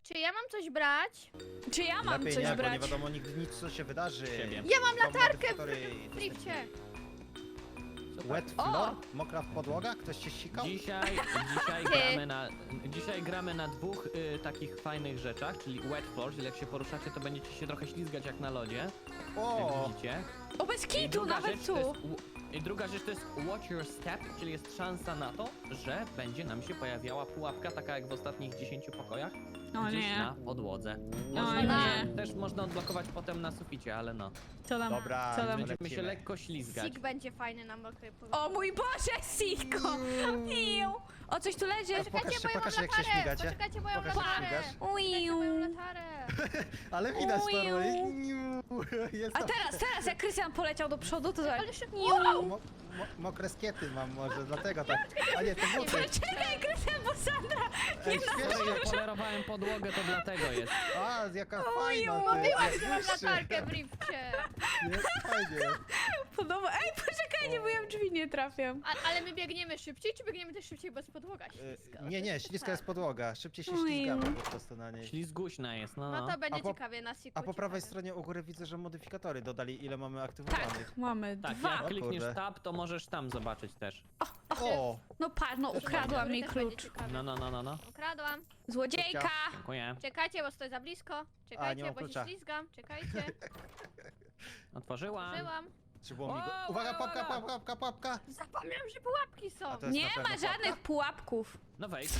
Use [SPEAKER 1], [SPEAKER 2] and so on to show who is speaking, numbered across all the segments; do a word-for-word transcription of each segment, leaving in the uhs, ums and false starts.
[SPEAKER 1] Czy ja mam coś brać?
[SPEAKER 2] Czy ja mam
[SPEAKER 3] Lepiej
[SPEAKER 2] coś
[SPEAKER 3] nie, bo
[SPEAKER 2] brać?
[SPEAKER 3] nie wiadomo nigdy nic, co się wydarzy.
[SPEAKER 4] Siebie.
[SPEAKER 1] Ja mam
[SPEAKER 3] Są
[SPEAKER 1] latarkę
[SPEAKER 3] modyfikatory
[SPEAKER 1] w drifcie.
[SPEAKER 3] Wet
[SPEAKER 2] O!
[SPEAKER 3] floor? Mokra podłoga? Ktoś się sikał?
[SPEAKER 4] Dzisiaj, dzisiaj
[SPEAKER 1] Ty.
[SPEAKER 4] gramy na, dzisiaj gramy na dwóch y, takich fajnych rzeczach, czyli wet floor, czyli jak się poruszacie, to będziecie się trochę ślizgać jak na lodzie, jak
[SPEAKER 3] O!
[SPEAKER 4] widzicie.
[SPEAKER 2] O, bez
[SPEAKER 4] I
[SPEAKER 2] kitu,
[SPEAKER 4] druga
[SPEAKER 2] nawet
[SPEAKER 4] rzecz to
[SPEAKER 2] tu.
[SPEAKER 4] jest, w- I druga rzecz to jest watch your step, czyli jest szansa na to, że będzie nam się pojawiała pułapka, taka jak w ostatnich dziesięciu pokojach,
[SPEAKER 2] O
[SPEAKER 4] gdzieś
[SPEAKER 2] nie.
[SPEAKER 4] na podłodze.
[SPEAKER 2] O
[SPEAKER 4] Można
[SPEAKER 2] nie.
[SPEAKER 4] też można odblokować potem na suficie, ale no.
[SPEAKER 2] Co tam?
[SPEAKER 3] Dobra,
[SPEAKER 2] Co tam?
[SPEAKER 3] lecimy.
[SPEAKER 4] Będziemy się lekko ślizgać.
[SPEAKER 1] Sik będzie fajny na mokrej powietrzu.
[SPEAKER 2] O mój Boże, Siko! Iu. O, coś tu leży?
[SPEAKER 3] A pokaż się,
[SPEAKER 1] bo ja mam
[SPEAKER 3] pokaż jak się
[SPEAKER 1] latarę.
[SPEAKER 3] śmigacie.
[SPEAKER 1] Poczekajcie, bo ja mam
[SPEAKER 3] Pokaż, jak
[SPEAKER 1] latarę.
[SPEAKER 3] śmigasz.
[SPEAKER 1] Poczekajcie, bo ja mam
[SPEAKER 2] Uiu.
[SPEAKER 1] latarę.
[SPEAKER 3] Ale widać to,
[SPEAKER 2] Uiu.
[SPEAKER 3] no. Jest
[SPEAKER 2] A
[SPEAKER 3] to...
[SPEAKER 2] teraz, teraz jak Krystian poleciał do przodu, to zobacz.
[SPEAKER 1] Ale szybko.
[SPEAKER 3] Mo mo mokre skiety mam może, dlatego tak. A nie, to buty.
[SPEAKER 2] Czekaj, Krystian, bo Sandra!
[SPEAKER 3] Ej,
[SPEAKER 4] Skoro
[SPEAKER 3] świetnie.
[SPEAKER 4] ja polerowałem podłogę, to dlatego jest.
[SPEAKER 3] A, jaka fajna. ty,
[SPEAKER 1] Mówiłam,
[SPEAKER 3] jak
[SPEAKER 1] że mam
[SPEAKER 3] błyszczy.
[SPEAKER 1] latarkę w drifcie.
[SPEAKER 3] Jest fajnie.
[SPEAKER 2] Podoba. Ej, poczekajcie, bo ja w drzwi nie trafiam.
[SPEAKER 1] A, ale my biegniemy szybciej, czy biegniemy też szybciej, bo jest podłoga
[SPEAKER 3] E,
[SPEAKER 1] śliska?
[SPEAKER 3] Nie, nie, śliska jest podłoga. Szybciej się
[SPEAKER 2] Uiu.
[SPEAKER 3] ślizgamy po prostu na niej.
[SPEAKER 4] Ślizguśna jest, no.
[SPEAKER 1] No to będzie
[SPEAKER 3] A po-
[SPEAKER 1] ciekawie na siku.
[SPEAKER 3] A po prawej
[SPEAKER 1] ciekawe.
[SPEAKER 3] stronie u góry widzę, że modyfikatory dodali, ile mamy aktywowanych.
[SPEAKER 2] Tak, mamy
[SPEAKER 4] Tak,
[SPEAKER 2] dwa.
[SPEAKER 4] jak
[SPEAKER 3] O
[SPEAKER 4] klikniesz
[SPEAKER 3] kurde.
[SPEAKER 4] tab, to możesz tam zobaczyć też.
[SPEAKER 3] O!
[SPEAKER 2] No patrz, no ukradła
[SPEAKER 1] Dobry,
[SPEAKER 2] mi
[SPEAKER 1] też będzie
[SPEAKER 2] klucz.
[SPEAKER 1] ciekawe.
[SPEAKER 4] No, no, no, no, no.
[SPEAKER 1] Ukradłam.
[SPEAKER 2] Złodziejka!
[SPEAKER 4] Dziękuję.
[SPEAKER 1] Czekajcie, bo stoję za blisko. Czekajcie,
[SPEAKER 3] mam
[SPEAKER 1] bo się
[SPEAKER 3] klucza.
[SPEAKER 1] ślizgam. Czekajcie.
[SPEAKER 4] Otworzyłam.
[SPEAKER 1] Żyłam.
[SPEAKER 3] Czy było mi go...
[SPEAKER 4] O,
[SPEAKER 3] Uwaga,
[SPEAKER 4] uwaga,
[SPEAKER 3] pułapka,
[SPEAKER 4] uwaga.
[SPEAKER 3] pułapka, pułapka!
[SPEAKER 1] Zapomniałam, że pułapki są.
[SPEAKER 3] A to jest
[SPEAKER 2] Nie
[SPEAKER 3] na pewno
[SPEAKER 2] ma
[SPEAKER 3] pułapka?
[SPEAKER 2] żadnych pułapków.
[SPEAKER 4] No wejdź.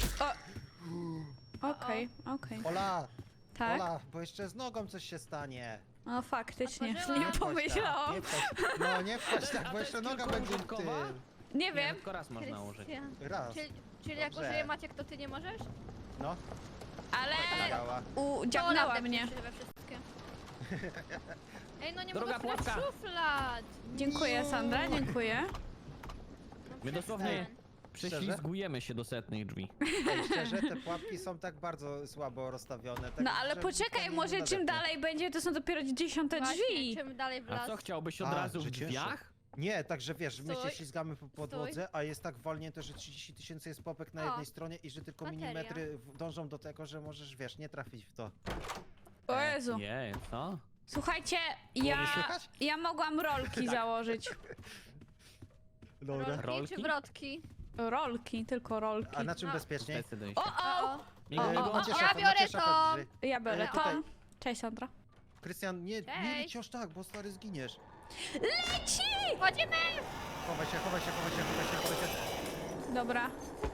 [SPEAKER 2] Okej, okej.
[SPEAKER 3] Ola!
[SPEAKER 2] Tak?
[SPEAKER 3] Ola, bo jeszcze z nogą coś się stanie.
[SPEAKER 2] No faktycznie,
[SPEAKER 1] Otworzyłam.
[SPEAKER 2] nie
[SPEAKER 3] wchodź tak,
[SPEAKER 2] pomyślałam.
[SPEAKER 3] nie wchodź. No nie wchodź tak,
[SPEAKER 4] A
[SPEAKER 3] bo
[SPEAKER 4] to
[SPEAKER 3] jeszcze
[SPEAKER 4] jest
[SPEAKER 3] noga
[SPEAKER 4] tylko
[SPEAKER 3] będzie w
[SPEAKER 4] użytkowa?
[SPEAKER 3] tym.
[SPEAKER 2] Nie
[SPEAKER 4] Nie,
[SPEAKER 2] wiem.
[SPEAKER 4] tylko raz można użyć.
[SPEAKER 1] Krystian.
[SPEAKER 3] Raz.
[SPEAKER 1] Czyli, czyli jak
[SPEAKER 3] Dobrze.
[SPEAKER 1] użyje Maciek, to ty nie możesz?
[SPEAKER 3] No,
[SPEAKER 2] Ale
[SPEAKER 3] działa.
[SPEAKER 2] udziagnęła
[SPEAKER 1] To
[SPEAKER 2] mnie.
[SPEAKER 1] się we wszystkie. Ej, no nie
[SPEAKER 4] Druga
[SPEAKER 1] mogę otworzyć
[SPEAKER 4] pułapka.
[SPEAKER 1] szuflad.
[SPEAKER 2] Dziękuję, Sandra, dziękuję.
[SPEAKER 1] No
[SPEAKER 4] My dosłownie
[SPEAKER 1] przestań.
[SPEAKER 4] prześlizgujemy się do setnych drzwi.
[SPEAKER 3] Ej, szczerze, te pułapki są tak bardzo słabo rozstawione. Tak,
[SPEAKER 2] No ale
[SPEAKER 3] że
[SPEAKER 2] poczekaj,
[SPEAKER 3] nikt nie
[SPEAKER 2] może czym
[SPEAKER 3] nadepnie.
[SPEAKER 2] dalej będzie, to są dopiero dziesiąte
[SPEAKER 1] Właśnie,
[SPEAKER 2] drzwi.
[SPEAKER 1] czym dalej w
[SPEAKER 4] A
[SPEAKER 1] las?
[SPEAKER 4] co, chciałbyś od
[SPEAKER 3] A,
[SPEAKER 4] razu w
[SPEAKER 3] że cięższe.
[SPEAKER 4] drzwiach?
[SPEAKER 3] Nie, także wiesz, my się
[SPEAKER 1] Stój.
[SPEAKER 3] ślizgamy po podłodze, a jest tak walnięte, że trzydzieści tysięcy jest popek na
[SPEAKER 1] O.
[SPEAKER 3] jednej stronie i że tylko
[SPEAKER 1] Bateria.
[SPEAKER 3] milimetry w- dążą do tego, że możesz, wiesz, nie trafić w to.
[SPEAKER 2] O Jezu.
[SPEAKER 4] Nie, co?
[SPEAKER 2] Słuchajcie,
[SPEAKER 3] Było
[SPEAKER 2] ja,
[SPEAKER 3] mnie słychać?
[SPEAKER 2] ja mogłam rolki założyć.
[SPEAKER 3] Dobra.
[SPEAKER 1] Rolki,
[SPEAKER 4] Rolki?
[SPEAKER 1] czy wrotki?
[SPEAKER 2] Rolki, tylko rolki.
[SPEAKER 3] A na czym
[SPEAKER 1] No.
[SPEAKER 3] bezpieczniej?
[SPEAKER 4] Zdecyduj
[SPEAKER 2] O,
[SPEAKER 4] się.
[SPEAKER 2] o!
[SPEAKER 1] O,
[SPEAKER 4] Miguel,
[SPEAKER 2] o, o,
[SPEAKER 3] macie
[SPEAKER 1] ja
[SPEAKER 3] szafę,
[SPEAKER 1] biorę
[SPEAKER 3] macie szafę
[SPEAKER 1] to.
[SPEAKER 3] w drzwi.
[SPEAKER 2] Ja biorę
[SPEAKER 3] E, tutaj.
[SPEAKER 2] Tom. Cześć, Sandra.
[SPEAKER 3] Krystian, nie, nie
[SPEAKER 1] Cześć.
[SPEAKER 3] leć aż tak, bo stary zginiesz.
[SPEAKER 2] Leci!
[SPEAKER 1] Chodzimy!
[SPEAKER 3] Chowaj się, chowaj się, chowaj się, chowaj się, chowaj się.
[SPEAKER 2] Dobra.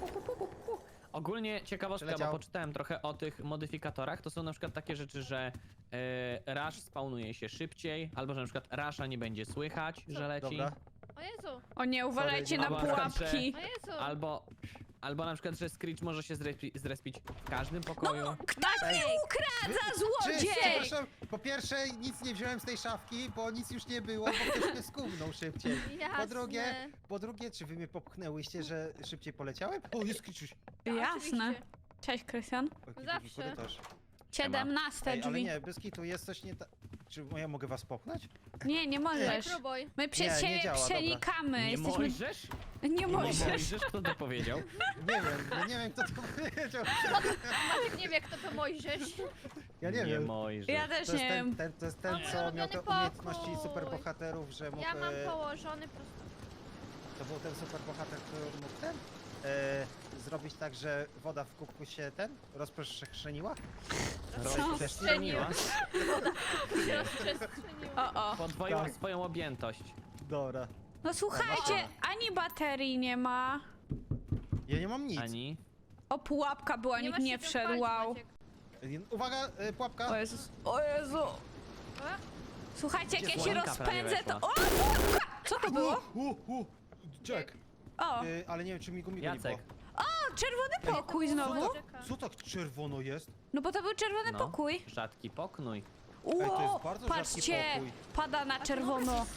[SPEAKER 4] Ogólnie ciekawostka,
[SPEAKER 3] Przeleciał.
[SPEAKER 4] bo poczytałem trochę o tych modyfikatorach. To są na przykład takie rzeczy, że e, rush spawnuje się szybciej, albo że na przykład rusha nie będzie słychać, że leci.
[SPEAKER 3] Dobra.
[SPEAKER 1] O Jezu,
[SPEAKER 2] O nie, uważajcie na
[SPEAKER 4] Albo na przykład, że-
[SPEAKER 2] pułapki.
[SPEAKER 1] o Jezu.
[SPEAKER 4] Albo, albo na przykład, że Screech może się zrespi, zrespić w każdym pokoju.
[SPEAKER 2] Kto
[SPEAKER 3] Ej.
[SPEAKER 2] mnie ukradza,
[SPEAKER 3] Czy,
[SPEAKER 2] złodziej?
[SPEAKER 3] przepraszam, po pierwsze nic nie wziąłem z tej szafki, bo nic już nie było, bo ktoś mnie skumnął szybciej. Po
[SPEAKER 1] Jasne.
[SPEAKER 3] drugie, po drugie, czy wy mnie popchnęłyście, że szybciej poleciałem? O, jest Krzysiuś.
[SPEAKER 2] Jasne.
[SPEAKER 1] Oczywiście.
[SPEAKER 2] Cześć, Krystian.
[SPEAKER 3] O, jaki
[SPEAKER 1] Zawsze.
[SPEAKER 3] długi korytarz.
[SPEAKER 2] siedemnaste
[SPEAKER 3] Ej, ale
[SPEAKER 2] drzwi.
[SPEAKER 3] nie, bez kitu, jest coś nie tak. Czy ja mogę was popchnąć?
[SPEAKER 2] Nie, nie
[SPEAKER 1] Nie
[SPEAKER 2] możesz.
[SPEAKER 1] próbuj.
[SPEAKER 2] My przez
[SPEAKER 3] Nie, nie
[SPEAKER 2] siebie
[SPEAKER 3] działa, dobra.
[SPEAKER 2] przenikamy.
[SPEAKER 4] Nie
[SPEAKER 2] Jesteśmy...
[SPEAKER 4] możesz?
[SPEAKER 2] Nie
[SPEAKER 4] Nie
[SPEAKER 2] możesz.
[SPEAKER 4] możesz? Kto to powiedział?
[SPEAKER 3] Nie wiem, ja nie wiem kto to powiedział.
[SPEAKER 1] Maciek nie wie, kto to Mojżesz.
[SPEAKER 3] Ja nie,
[SPEAKER 4] nie
[SPEAKER 3] wiem.
[SPEAKER 4] możesz.
[SPEAKER 2] Ja też
[SPEAKER 3] To
[SPEAKER 2] nie
[SPEAKER 3] jest ten,
[SPEAKER 2] wiem.
[SPEAKER 3] ten, to jest ten
[SPEAKER 1] Mam
[SPEAKER 3] co miał te
[SPEAKER 1] ulubiony
[SPEAKER 3] umiejętności
[SPEAKER 1] pokój.
[SPEAKER 3] superbohaterów, że mógł...
[SPEAKER 1] Ja mam
[SPEAKER 3] e,
[SPEAKER 1] położony prosto.
[SPEAKER 3] To był ten superbohater, który mógł ten... E, zrobić tak, że woda w kubku się ten rozprzestrzeniła?
[SPEAKER 4] Rozprzestrzeniła.
[SPEAKER 1] Rozprzestrzeniło.
[SPEAKER 2] O, o.
[SPEAKER 4] Podwoiła
[SPEAKER 3] Tak.
[SPEAKER 4] swoją objętość.
[SPEAKER 3] Dobra.
[SPEAKER 2] No słuchajcie, ani baterii nie ma.
[SPEAKER 3] Ja nie mam nic.
[SPEAKER 4] Ani.
[SPEAKER 2] O, pułapka była, nikt
[SPEAKER 1] masz
[SPEAKER 2] nie
[SPEAKER 1] się czym
[SPEAKER 2] wszedł,
[SPEAKER 1] chwalić,
[SPEAKER 2] wow.
[SPEAKER 1] Maciek.
[SPEAKER 3] E, Uwaga, e, pułapka.
[SPEAKER 2] O Jezus, o Jezu.
[SPEAKER 1] O,
[SPEAKER 2] Słuchajcie, jak
[SPEAKER 4] Gdzie
[SPEAKER 2] ja się
[SPEAKER 4] słonka prawie
[SPEAKER 2] rozpędzę, to...
[SPEAKER 4] weszła.
[SPEAKER 2] O, pułapka! Co to było?
[SPEAKER 3] U, u, u. Jack.
[SPEAKER 2] O,
[SPEAKER 3] E, ale nie wiem, czy mi go mi go nie
[SPEAKER 4] Jacek.
[SPEAKER 3] było.
[SPEAKER 2] o, czerwony pokój
[SPEAKER 1] to było
[SPEAKER 2] znowu.
[SPEAKER 1] Czeka.
[SPEAKER 3] Co tak czerwono jest?
[SPEAKER 2] No bo to był czerwony
[SPEAKER 4] No.
[SPEAKER 2] pokój.
[SPEAKER 4] Rzadki pokój.
[SPEAKER 3] to jest
[SPEAKER 2] Ło,
[SPEAKER 3] bardzo rzadki
[SPEAKER 2] patrzcie,
[SPEAKER 3] pokój.
[SPEAKER 2] pada na czerwono.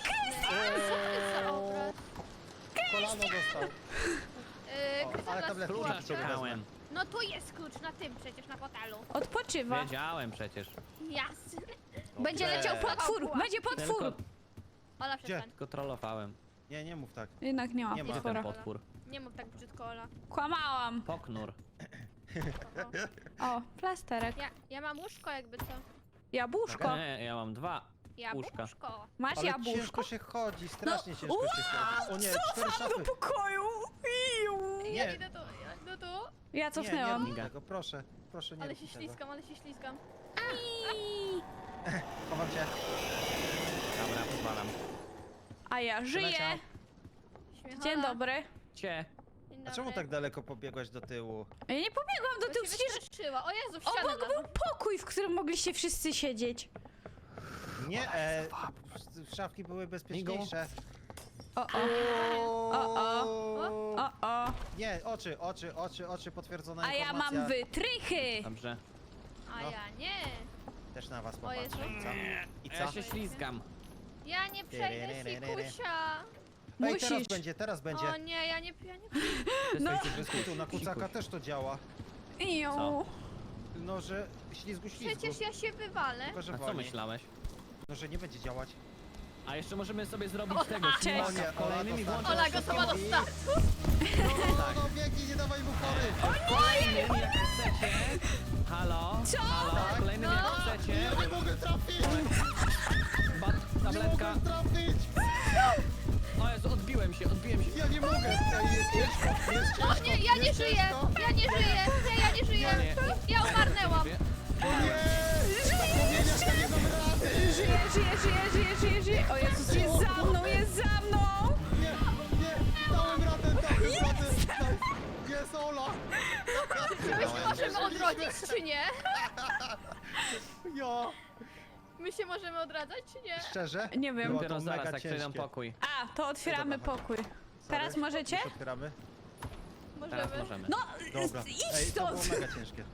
[SPEAKER 1] Dobra.
[SPEAKER 3] Kolano dostał.
[SPEAKER 1] Yy,
[SPEAKER 3] O,
[SPEAKER 1] Krystian
[SPEAKER 3] ale
[SPEAKER 1] nas
[SPEAKER 3] tabletki
[SPEAKER 4] Klucza
[SPEAKER 1] pułapkę.
[SPEAKER 3] wezmę.
[SPEAKER 4] szukałem.
[SPEAKER 1] No tu jest klucz, na tym przecież, na fotelu.
[SPEAKER 2] Odpoczywa.
[SPEAKER 4] Wiedziałem przecież.
[SPEAKER 1] Jasne.
[SPEAKER 2] Będzie
[SPEAKER 3] Dobrze.
[SPEAKER 2] leciał potwór,
[SPEAKER 1] Pułapka.
[SPEAKER 2] będzie potwór.
[SPEAKER 4] Tylko,
[SPEAKER 1] Ola, przestań.
[SPEAKER 4] tylko trollowałem.
[SPEAKER 3] Nie, nie mów tak.
[SPEAKER 2] Jednak nie ma
[SPEAKER 3] Nie ma.
[SPEAKER 4] Gdzie
[SPEAKER 2] potwora.
[SPEAKER 4] ten potwór?
[SPEAKER 1] Nie mów tak brzydko, Ola.
[SPEAKER 2] Kłamałam.
[SPEAKER 4] Poknur.
[SPEAKER 1] O, o.
[SPEAKER 2] O, plasterek.
[SPEAKER 1] Ja, ja mam łóżko jakby co.
[SPEAKER 2] Jabłuszko.
[SPEAKER 4] Nie, ja mam dwa.
[SPEAKER 1] Jabłuszko.
[SPEAKER 2] Masz
[SPEAKER 3] Ale
[SPEAKER 2] jabłuszko?
[SPEAKER 3] ciężko się chodzi, strasznie
[SPEAKER 2] No,
[SPEAKER 3] ciężko
[SPEAKER 2] ua,
[SPEAKER 3] się chodzi. O nie, cztery
[SPEAKER 2] Do
[SPEAKER 3] szafy.
[SPEAKER 2] pokoju. Iu.
[SPEAKER 1] Ja
[SPEAKER 3] Nie.
[SPEAKER 1] idę tu, ja idę tu.
[SPEAKER 2] Ja
[SPEAKER 3] Nie,
[SPEAKER 2] cofnęłam.
[SPEAKER 3] nie rób tego, proszę, proszę nie
[SPEAKER 1] Ale
[SPEAKER 3] rób
[SPEAKER 1] się
[SPEAKER 3] tego.
[SPEAKER 1] ślizgam, ale się ślizgam.
[SPEAKER 3] Chowam cię.
[SPEAKER 4] Dobra, pozwalam.
[SPEAKER 2] A ja żyję.
[SPEAKER 3] Przeleciał.
[SPEAKER 1] Śmiechola.
[SPEAKER 2] Dzień dobry.
[SPEAKER 4] Cie.
[SPEAKER 1] Dzień
[SPEAKER 3] A
[SPEAKER 1] dobry.
[SPEAKER 3] czemu tak daleko pobiegłaś do tyłu?
[SPEAKER 2] Ja nie pobiegłam do
[SPEAKER 1] Bo
[SPEAKER 2] tyłu,
[SPEAKER 1] się
[SPEAKER 2] przecież
[SPEAKER 1] wystraszyła. O Jezu, w ścianę
[SPEAKER 2] obok był
[SPEAKER 1] wlazłam.
[SPEAKER 2] pokój, w którym mogliście wszyscy siedzieć.
[SPEAKER 3] Nie, e, szafki były bezpieczniejsze.
[SPEAKER 2] O, o,
[SPEAKER 3] O,
[SPEAKER 2] o, o, o.
[SPEAKER 3] Nie, oczy, oczy, oczy, oczy, potwierdzona
[SPEAKER 2] A ja
[SPEAKER 3] informacja.
[SPEAKER 2] mam wytrychy.
[SPEAKER 4] Dobrze.
[SPEAKER 1] A
[SPEAKER 3] No.
[SPEAKER 1] ja nie.
[SPEAKER 3] Też na was
[SPEAKER 1] O Jezu.
[SPEAKER 3] popatrzę. I co? I
[SPEAKER 4] Ja
[SPEAKER 3] co?
[SPEAKER 4] się ślizgam.
[SPEAKER 1] Ja nie przejdę sikusia.
[SPEAKER 3] Ej, teraz
[SPEAKER 2] Musisz.
[SPEAKER 3] będzie, teraz będzie.
[SPEAKER 1] O nie, ja nie, ja nie.
[SPEAKER 2] No.
[SPEAKER 3] Bez kitu, na kucaka też to działa.
[SPEAKER 2] Iu.
[SPEAKER 4] Co?
[SPEAKER 3] No, że ślizgu, ślizgu.
[SPEAKER 1] Przecież ja się wywalę.
[SPEAKER 3] Tylko, że
[SPEAKER 4] A co
[SPEAKER 3] wolniej.
[SPEAKER 4] myślałeś?
[SPEAKER 3] No, że nie będzie działać.
[SPEAKER 4] A jeszcze możemy sobie zrobić
[SPEAKER 1] O,
[SPEAKER 4] tego,
[SPEAKER 2] cześć.
[SPEAKER 3] O nie,
[SPEAKER 4] z kolejnymi
[SPEAKER 3] Ola, to
[SPEAKER 4] włączeniami.
[SPEAKER 1] Ola gotowa do startu.
[SPEAKER 3] No, no, no, biegnij, nie dawaj mu pory.
[SPEAKER 4] Kolejnymi jak chcecie. Halo?
[SPEAKER 2] Co?
[SPEAKER 4] Halo?
[SPEAKER 3] Tak?
[SPEAKER 4] Kolejnymi
[SPEAKER 1] No.
[SPEAKER 4] jak chcecie.
[SPEAKER 3] Ja nie mogę trafić!
[SPEAKER 4] Bat,
[SPEAKER 3] Nie
[SPEAKER 4] tabletka.
[SPEAKER 3] mogę trafić!
[SPEAKER 4] O Jezu, odbiłem się, odbiłem się.
[SPEAKER 3] Ja nie mogę! Ej, jest ciężko, jest ciężko!
[SPEAKER 1] O nie, ja nie
[SPEAKER 3] jest
[SPEAKER 1] żyję.
[SPEAKER 3] ciężko.
[SPEAKER 1] Ja nie żyję. Nie, ja nie żyję.
[SPEAKER 4] Nie.
[SPEAKER 1] Ja umarnęłam.
[SPEAKER 3] O nie! Na płomieniach ja nie dam rady!
[SPEAKER 2] Żyję, żyję, żyję, żyję, żyję, żyję. O Jezus, jest za mną, jest za mną.
[SPEAKER 3] Nie, nie! Dałem radę, dałem radę! Jest Ola!
[SPEAKER 1] My się możemy odrodzić, czy nie?
[SPEAKER 3] Ja!
[SPEAKER 1] My się możemy odradzać, czy nie?
[SPEAKER 3] Szczerze?
[SPEAKER 2] Nie wiem.
[SPEAKER 3] Było to
[SPEAKER 4] Dopiero zaraz,
[SPEAKER 3] mega
[SPEAKER 4] jak przejdę
[SPEAKER 3] ciężkie.
[SPEAKER 4] pokój.
[SPEAKER 2] A, to otwieramy
[SPEAKER 3] Dobra, chodź.
[SPEAKER 2] pokój.
[SPEAKER 3] Sorry.
[SPEAKER 2] Teraz możecie?
[SPEAKER 3] Już otwieramy?
[SPEAKER 4] Teraz
[SPEAKER 1] Możemy.
[SPEAKER 4] możemy.
[SPEAKER 2] No,
[SPEAKER 3] Dobra.
[SPEAKER 2] idź
[SPEAKER 3] Ej, to było
[SPEAKER 2] stąd.
[SPEAKER 3] mega ciężkie.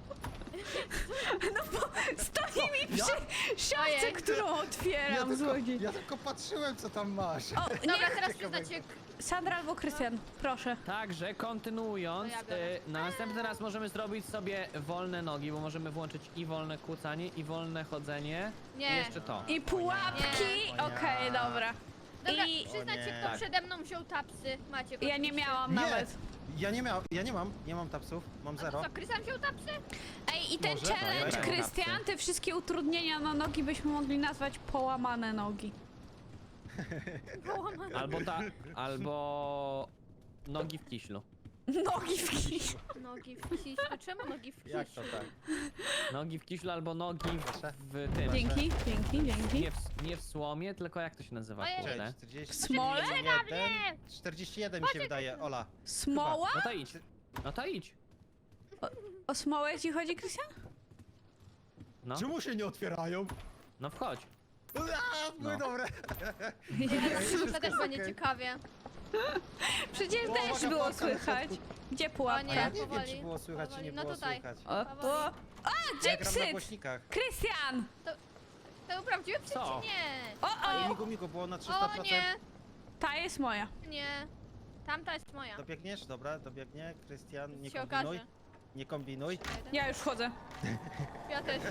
[SPEAKER 2] Stoi mi
[SPEAKER 3] Ja?
[SPEAKER 2] przy szafce,
[SPEAKER 1] Ojej.
[SPEAKER 2] którą
[SPEAKER 3] Ja
[SPEAKER 2] otwieram,
[SPEAKER 3] tylko,
[SPEAKER 2] złodziej.
[SPEAKER 3] ja tylko patrzyłem, co tam masz.
[SPEAKER 2] O,
[SPEAKER 1] Dobra,
[SPEAKER 2] nie,
[SPEAKER 1] teraz
[SPEAKER 3] Ciekawego.
[SPEAKER 1] przyznacie.
[SPEAKER 2] Sandra albo Krystian, proszę.
[SPEAKER 4] Także kontynuując,
[SPEAKER 1] To ja biorę.
[SPEAKER 4] y, na następny raz możemy zrobić sobie wolne nogi, bo możemy włączyć i wolne kłócanie, i wolne chodzenie.
[SPEAKER 1] Nie.
[SPEAKER 4] I jeszcze to.
[SPEAKER 2] I pułapki,
[SPEAKER 3] Nie.
[SPEAKER 2] okej, dobra.
[SPEAKER 1] Dobra,
[SPEAKER 2] I
[SPEAKER 1] przyznacie,
[SPEAKER 3] O nie.
[SPEAKER 1] kto
[SPEAKER 4] Tak.
[SPEAKER 1] przede mną wziął tapsy. Macie.
[SPEAKER 2] ja nie miałam
[SPEAKER 3] Nie,
[SPEAKER 2] nawet.
[SPEAKER 3] ja nie miałam, ja nie mam, nie mam tapsów, mam
[SPEAKER 1] A
[SPEAKER 3] zero.
[SPEAKER 1] to co, Krystian wziął tapsy?
[SPEAKER 2] Ej, i ten
[SPEAKER 3] Może?
[SPEAKER 2] challenge,
[SPEAKER 4] Dobra.
[SPEAKER 2] Krystian, te wszystkie utrudnienia na nogi byśmy mogli nazwać połamane nogi.
[SPEAKER 1] Połamane.
[SPEAKER 4] Albo ta, albo nogi w kiślu.
[SPEAKER 2] Nogi w kij.
[SPEAKER 1] Nogi w kiślu. Czemu nogi w kiślu?
[SPEAKER 3] Jak to tak?
[SPEAKER 4] Nogi w kiślu albo nogi
[SPEAKER 3] Proszę.
[SPEAKER 4] w, w tym.
[SPEAKER 2] Dzięki, dzięki, dzięki.
[SPEAKER 4] Nie w, nie w słomie, tylko jak to się nazywa,
[SPEAKER 1] Ojej.
[SPEAKER 4] kurde?
[SPEAKER 3] Cześć, czterdzieści
[SPEAKER 2] Smole?
[SPEAKER 3] jeden, czterdzieści jeden mi się wydaje, Ola.
[SPEAKER 2] Smoła?
[SPEAKER 4] No to idź. No to idź.
[SPEAKER 2] O smołę ci chodzi, Krystian?
[SPEAKER 4] No,
[SPEAKER 3] Czemu się nie otwierają?
[SPEAKER 4] no wchodź.
[SPEAKER 3] Aaa, były
[SPEAKER 4] No.
[SPEAKER 3] dobre.
[SPEAKER 1] To też będzie ciekawie.
[SPEAKER 2] Przecież
[SPEAKER 3] O,
[SPEAKER 2] też
[SPEAKER 3] uwaga,
[SPEAKER 2] było
[SPEAKER 3] pułapka na
[SPEAKER 2] słychać.
[SPEAKER 3] środku.
[SPEAKER 2] Gdzie
[SPEAKER 1] O
[SPEAKER 2] pułapka?
[SPEAKER 3] A ja
[SPEAKER 1] nie,
[SPEAKER 3] nie wiem,
[SPEAKER 1] powoli,
[SPEAKER 3] czy było słychać, czy
[SPEAKER 1] powoli.
[SPEAKER 3] nie
[SPEAKER 1] No
[SPEAKER 3] było
[SPEAKER 1] tutaj.
[SPEAKER 3] słychać.
[SPEAKER 2] O, o. A,
[SPEAKER 3] Ja gram na
[SPEAKER 2] Gypsy!
[SPEAKER 3] głośnikach.
[SPEAKER 2] Krystian!
[SPEAKER 1] To był prawdziwy psy,
[SPEAKER 4] Co?
[SPEAKER 1] czy nie?
[SPEAKER 2] O, o!
[SPEAKER 3] Migu, migu, było na trzysta
[SPEAKER 1] O
[SPEAKER 3] procent.
[SPEAKER 1] nie,
[SPEAKER 2] Ta jest moja.
[SPEAKER 1] nie. Tamta jest moja.
[SPEAKER 3] Dobiegniesz? Dobra, dobiegnie. Krystian, nie
[SPEAKER 1] Się
[SPEAKER 3] kombinuj.
[SPEAKER 1] okaże.
[SPEAKER 3] Nie kombinuj.
[SPEAKER 2] Ja już wchodzę.
[SPEAKER 1] Ja też.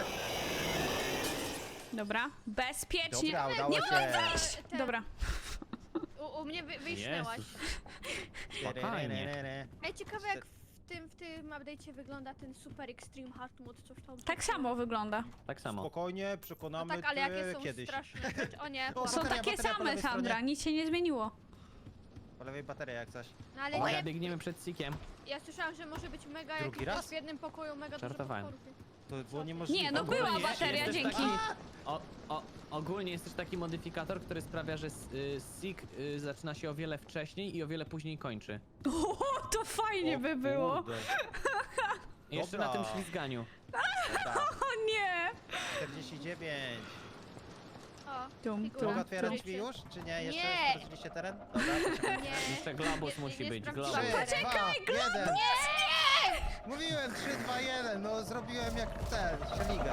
[SPEAKER 2] Dobra, bezpiecznie.
[SPEAKER 3] Dobra, udało
[SPEAKER 2] Nie
[SPEAKER 3] się.
[SPEAKER 2] mogę wejść!
[SPEAKER 1] Ten-
[SPEAKER 2] Dobra.
[SPEAKER 1] U, u mnie wy, wyjśnęłaś.
[SPEAKER 4] Jezus.
[SPEAKER 3] Re, re, re, re, re.
[SPEAKER 1] Ej, ciekawe jak w tym, w tym update'cie wygląda ten super extreme hard mode, coś tam.
[SPEAKER 2] Tak samo wygląda.
[SPEAKER 4] Tak samo.
[SPEAKER 3] Spokojnie,
[SPEAKER 1] No
[SPEAKER 3] przekonamy
[SPEAKER 1] tak, ale
[SPEAKER 3] cię
[SPEAKER 1] jakie są
[SPEAKER 3] kiedyś.
[SPEAKER 1] straszne rzeczy. O nie.
[SPEAKER 3] O,
[SPEAKER 2] Są
[SPEAKER 3] bateria,
[SPEAKER 2] takie
[SPEAKER 3] bateria po
[SPEAKER 2] same,
[SPEAKER 3] lewej
[SPEAKER 2] Sandra,
[SPEAKER 3] stronie.
[SPEAKER 2] nic się nie zmieniło.
[SPEAKER 3] Po lewej bateria jak coś.
[SPEAKER 1] No ale
[SPEAKER 4] Uwaga,
[SPEAKER 1] nie,
[SPEAKER 4] biegniemy przed sikiem.
[SPEAKER 1] ja słyszałam, że może być mega
[SPEAKER 3] Drugi
[SPEAKER 1] jak
[SPEAKER 3] raz?
[SPEAKER 1] w jednym pokoju mega dużo
[SPEAKER 4] Żartowałem.
[SPEAKER 1] potworów.
[SPEAKER 3] To było niemożliwe.
[SPEAKER 2] Nie, no była
[SPEAKER 4] Ogólnie
[SPEAKER 2] bateria,
[SPEAKER 4] jest też
[SPEAKER 2] dzięki.
[SPEAKER 4] Taki, o, o, ogólnie jest też taki modyfikator, który sprawia, że s- y, sik y, zaczyna się o wiele wcześniej i o wiele później kończy.
[SPEAKER 2] O, to fajnie by było.
[SPEAKER 3] Kurde.
[SPEAKER 4] I jeszcze
[SPEAKER 3] Dobra.
[SPEAKER 4] na tym ślizganiu.
[SPEAKER 3] Dobra,
[SPEAKER 2] O nie!
[SPEAKER 3] czterdzieści dziewięć.
[SPEAKER 1] O,
[SPEAKER 2] Tum,
[SPEAKER 1] figura.
[SPEAKER 2] tum.
[SPEAKER 3] Mogę otwierać
[SPEAKER 1] Cztery-
[SPEAKER 3] drzwi już? Czy nie? Jeszcze
[SPEAKER 1] Nie.
[SPEAKER 3] sprawdziliście teren? Dobra, poczekaj.
[SPEAKER 1] Nie.
[SPEAKER 4] Jeszcze globus
[SPEAKER 1] Nie-
[SPEAKER 4] musi
[SPEAKER 1] nie
[SPEAKER 4] być,
[SPEAKER 1] sprawdziłam.
[SPEAKER 4] globus.
[SPEAKER 3] trzy, dwa,
[SPEAKER 2] Poczekaj,
[SPEAKER 3] jeden.
[SPEAKER 1] Nie!
[SPEAKER 3] Mówiłem trzy, dwa, jeden. No zrobiłem jak ten, szeliga.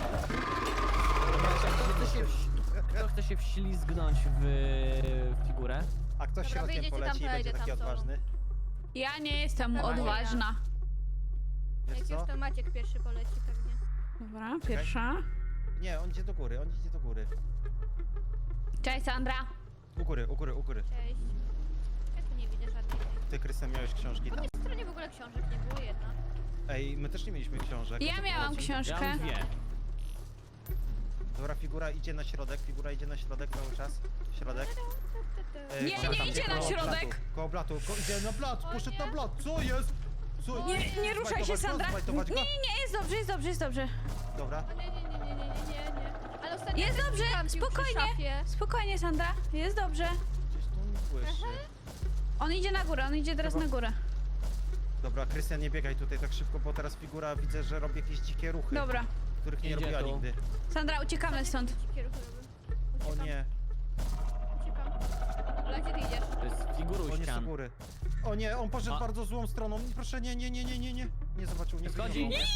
[SPEAKER 4] Kto chce się, wś- kto chce się wślizgnąć w figurę?
[SPEAKER 3] A ktoś
[SPEAKER 1] Dobra,
[SPEAKER 3] środkiem
[SPEAKER 1] wyjdziecie tam,
[SPEAKER 3] poleci i
[SPEAKER 1] to ja
[SPEAKER 3] będzie
[SPEAKER 1] idę
[SPEAKER 3] taki
[SPEAKER 1] tam z tobą.
[SPEAKER 3] odważny.
[SPEAKER 2] Ja nie jestem
[SPEAKER 1] Dobra,
[SPEAKER 2] odważna.
[SPEAKER 3] Wiesz
[SPEAKER 1] Jak
[SPEAKER 3] co?
[SPEAKER 1] już to Maciek pierwszy poleci pewnie.
[SPEAKER 2] Dobra, pierwsza.
[SPEAKER 3] Nie, on idzie do góry, on idzie do góry.
[SPEAKER 2] Cześć, Sandra.
[SPEAKER 3] U góry, u góry, u góry.
[SPEAKER 1] Cześć. Ja tu nie widzę żadnej.
[SPEAKER 3] Ty, Krystian, miałeś książki
[SPEAKER 1] Po
[SPEAKER 3] tam?
[SPEAKER 1] tej stronie w ogóle książek nie było jedna.
[SPEAKER 3] Ej, my też nie mieliśmy książek. O
[SPEAKER 2] Ja
[SPEAKER 3] co
[SPEAKER 2] miałam
[SPEAKER 3] chodzi?
[SPEAKER 4] Ja
[SPEAKER 2] książkę.
[SPEAKER 4] mam dwie.
[SPEAKER 3] Dobra, figura idzie na środek, figura idzie na środek cały czas. Środek. E,
[SPEAKER 2] Nie,
[SPEAKER 3] tam,
[SPEAKER 2] nie
[SPEAKER 3] tam,
[SPEAKER 2] idzie
[SPEAKER 3] koło
[SPEAKER 2] na
[SPEAKER 3] blatu,
[SPEAKER 2] środek.
[SPEAKER 3] Koło blatu, ko idzie na blat,
[SPEAKER 1] O
[SPEAKER 3] poszedł
[SPEAKER 1] nie.
[SPEAKER 3] na blat, co jest? Co?
[SPEAKER 2] Nie, nie ruszaj się,
[SPEAKER 3] Zbajtować go,
[SPEAKER 2] Sandra. Nie,
[SPEAKER 3] zbajtować go?
[SPEAKER 2] nie, nie, jest dobrze, jest dobrze, jest dobrze.
[SPEAKER 3] Dobra.
[SPEAKER 1] O nie, nie, nie, nie, nie, nie, nie, nie. Ale ostatnio
[SPEAKER 2] Jest
[SPEAKER 1] ktoś
[SPEAKER 2] dobrze,
[SPEAKER 1] kampił przy
[SPEAKER 2] spokojnie.
[SPEAKER 1] szafie.
[SPEAKER 2] Spokojnie, Sandra, jest dobrze.
[SPEAKER 3] Gdzieś tu mi słyszy.
[SPEAKER 2] On idzie na górę, on idzie teraz
[SPEAKER 3] Chyba-
[SPEAKER 2] na górę.
[SPEAKER 3] Dobra, Krystian, nie biegaj tutaj tak szybko, bo teraz figura widzę, że robi jakieś dzikie ruchy,
[SPEAKER 2] Dobra.
[SPEAKER 3] których nie
[SPEAKER 4] Idzie
[SPEAKER 3] robiła
[SPEAKER 4] tu.
[SPEAKER 3] nigdy.
[SPEAKER 2] Sandra, uciekamy stąd.
[SPEAKER 1] Dzikie ruchy robię.
[SPEAKER 3] O
[SPEAKER 1] Uciekam,
[SPEAKER 3] nie,
[SPEAKER 1] Uciekam. Ale gdzie ty idziesz?
[SPEAKER 4] To jest
[SPEAKER 3] o
[SPEAKER 4] figuruś
[SPEAKER 3] nie, z
[SPEAKER 4] ścian.
[SPEAKER 3] góry. O nie, on poszedł
[SPEAKER 4] A.
[SPEAKER 3] bardzo złą stroną. Proszę, nie, nie, nie, nie, nie, nie. Nie zobaczył, nie
[SPEAKER 4] Schodzi.
[SPEAKER 3] zauważył.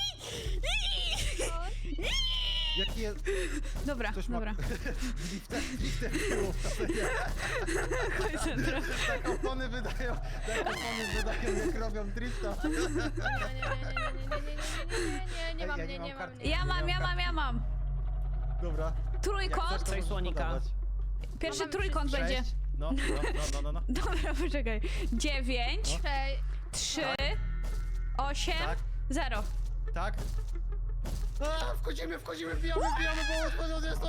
[SPEAKER 1] O,
[SPEAKER 3] Jaki jest...
[SPEAKER 2] Dobra,
[SPEAKER 3] Ktoś ma...
[SPEAKER 2] dobra.
[SPEAKER 3] Lifter, lifter było.
[SPEAKER 2] Chodź, Sandra.
[SPEAKER 3] Tak opony wydają, tak opony wydają, jak robią drifta.
[SPEAKER 1] nie, nie, nie, nie, nie, nie, nie, nie, nie, nie, nie, nie mam,
[SPEAKER 3] Ej,
[SPEAKER 1] nie,
[SPEAKER 3] ja nie
[SPEAKER 1] nie
[SPEAKER 3] mam
[SPEAKER 1] mam,
[SPEAKER 3] karty.
[SPEAKER 1] nie.
[SPEAKER 2] Ja mam, ja mam, ja mam.
[SPEAKER 3] Dobra. Jak
[SPEAKER 2] Trójkąt.
[SPEAKER 3] chcesz, to
[SPEAKER 4] Cześć,
[SPEAKER 3] możesz
[SPEAKER 4] słonika.
[SPEAKER 3] podawać.
[SPEAKER 2] Pierwszy
[SPEAKER 1] Mamy
[SPEAKER 2] trójkąt
[SPEAKER 3] Sześć.
[SPEAKER 2] będzie.
[SPEAKER 3] No, no, no, no, no, no.
[SPEAKER 2] Dobra, poczekaj. Dziewięć,
[SPEAKER 3] No.
[SPEAKER 1] Hej,
[SPEAKER 2] trzy, osiem,
[SPEAKER 3] Tak,
[SPEAKER 2] zero.
[SPEAKER 3] tak. A, wchodzimy, wchodzimy, wbijamy, wbijamy, bo otworzony jest to.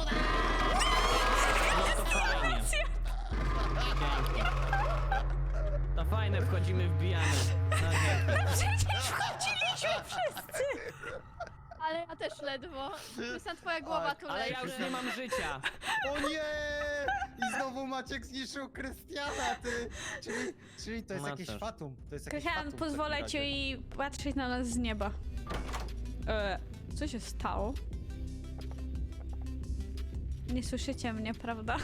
[SPEAKER 4] No to fajnie. Pięknie. To fajne, wchodzimy, wbijamy. No nie.
[SPEAKER 2] Przecież wchodziliśmy wszyscy.
[SPEAKER 1] ale ja też ledwo. Krystian, twoja głowa tu
[SPEAKER 4] Ale ja już
[SPEAKER 1] leży.
[SPEAKER 4] nie mam życia.
[SPEAKER 3] O nie! I znowu Maciek zniszczył Krystiana, ty! Czyli, czyli to jest
[SPEAKER 4] Ma
[SPEAKER 3] jakieś
[SPEAKER 4] też.
[SPEAKER 3] fatum. To jest jakieś
[SPEAKER 2] Krystian,
[SPEAKER 3] fatum w
[SPEAKER 2] pozwolę
[SPEAKER 3] takim
[SPEAKER 2] ci
[SPEAKER 3] razie.
[SPEAKER 2] i patrzeć na nas z nieba. E, co się stało? Nie słyszycie mnie, prawda?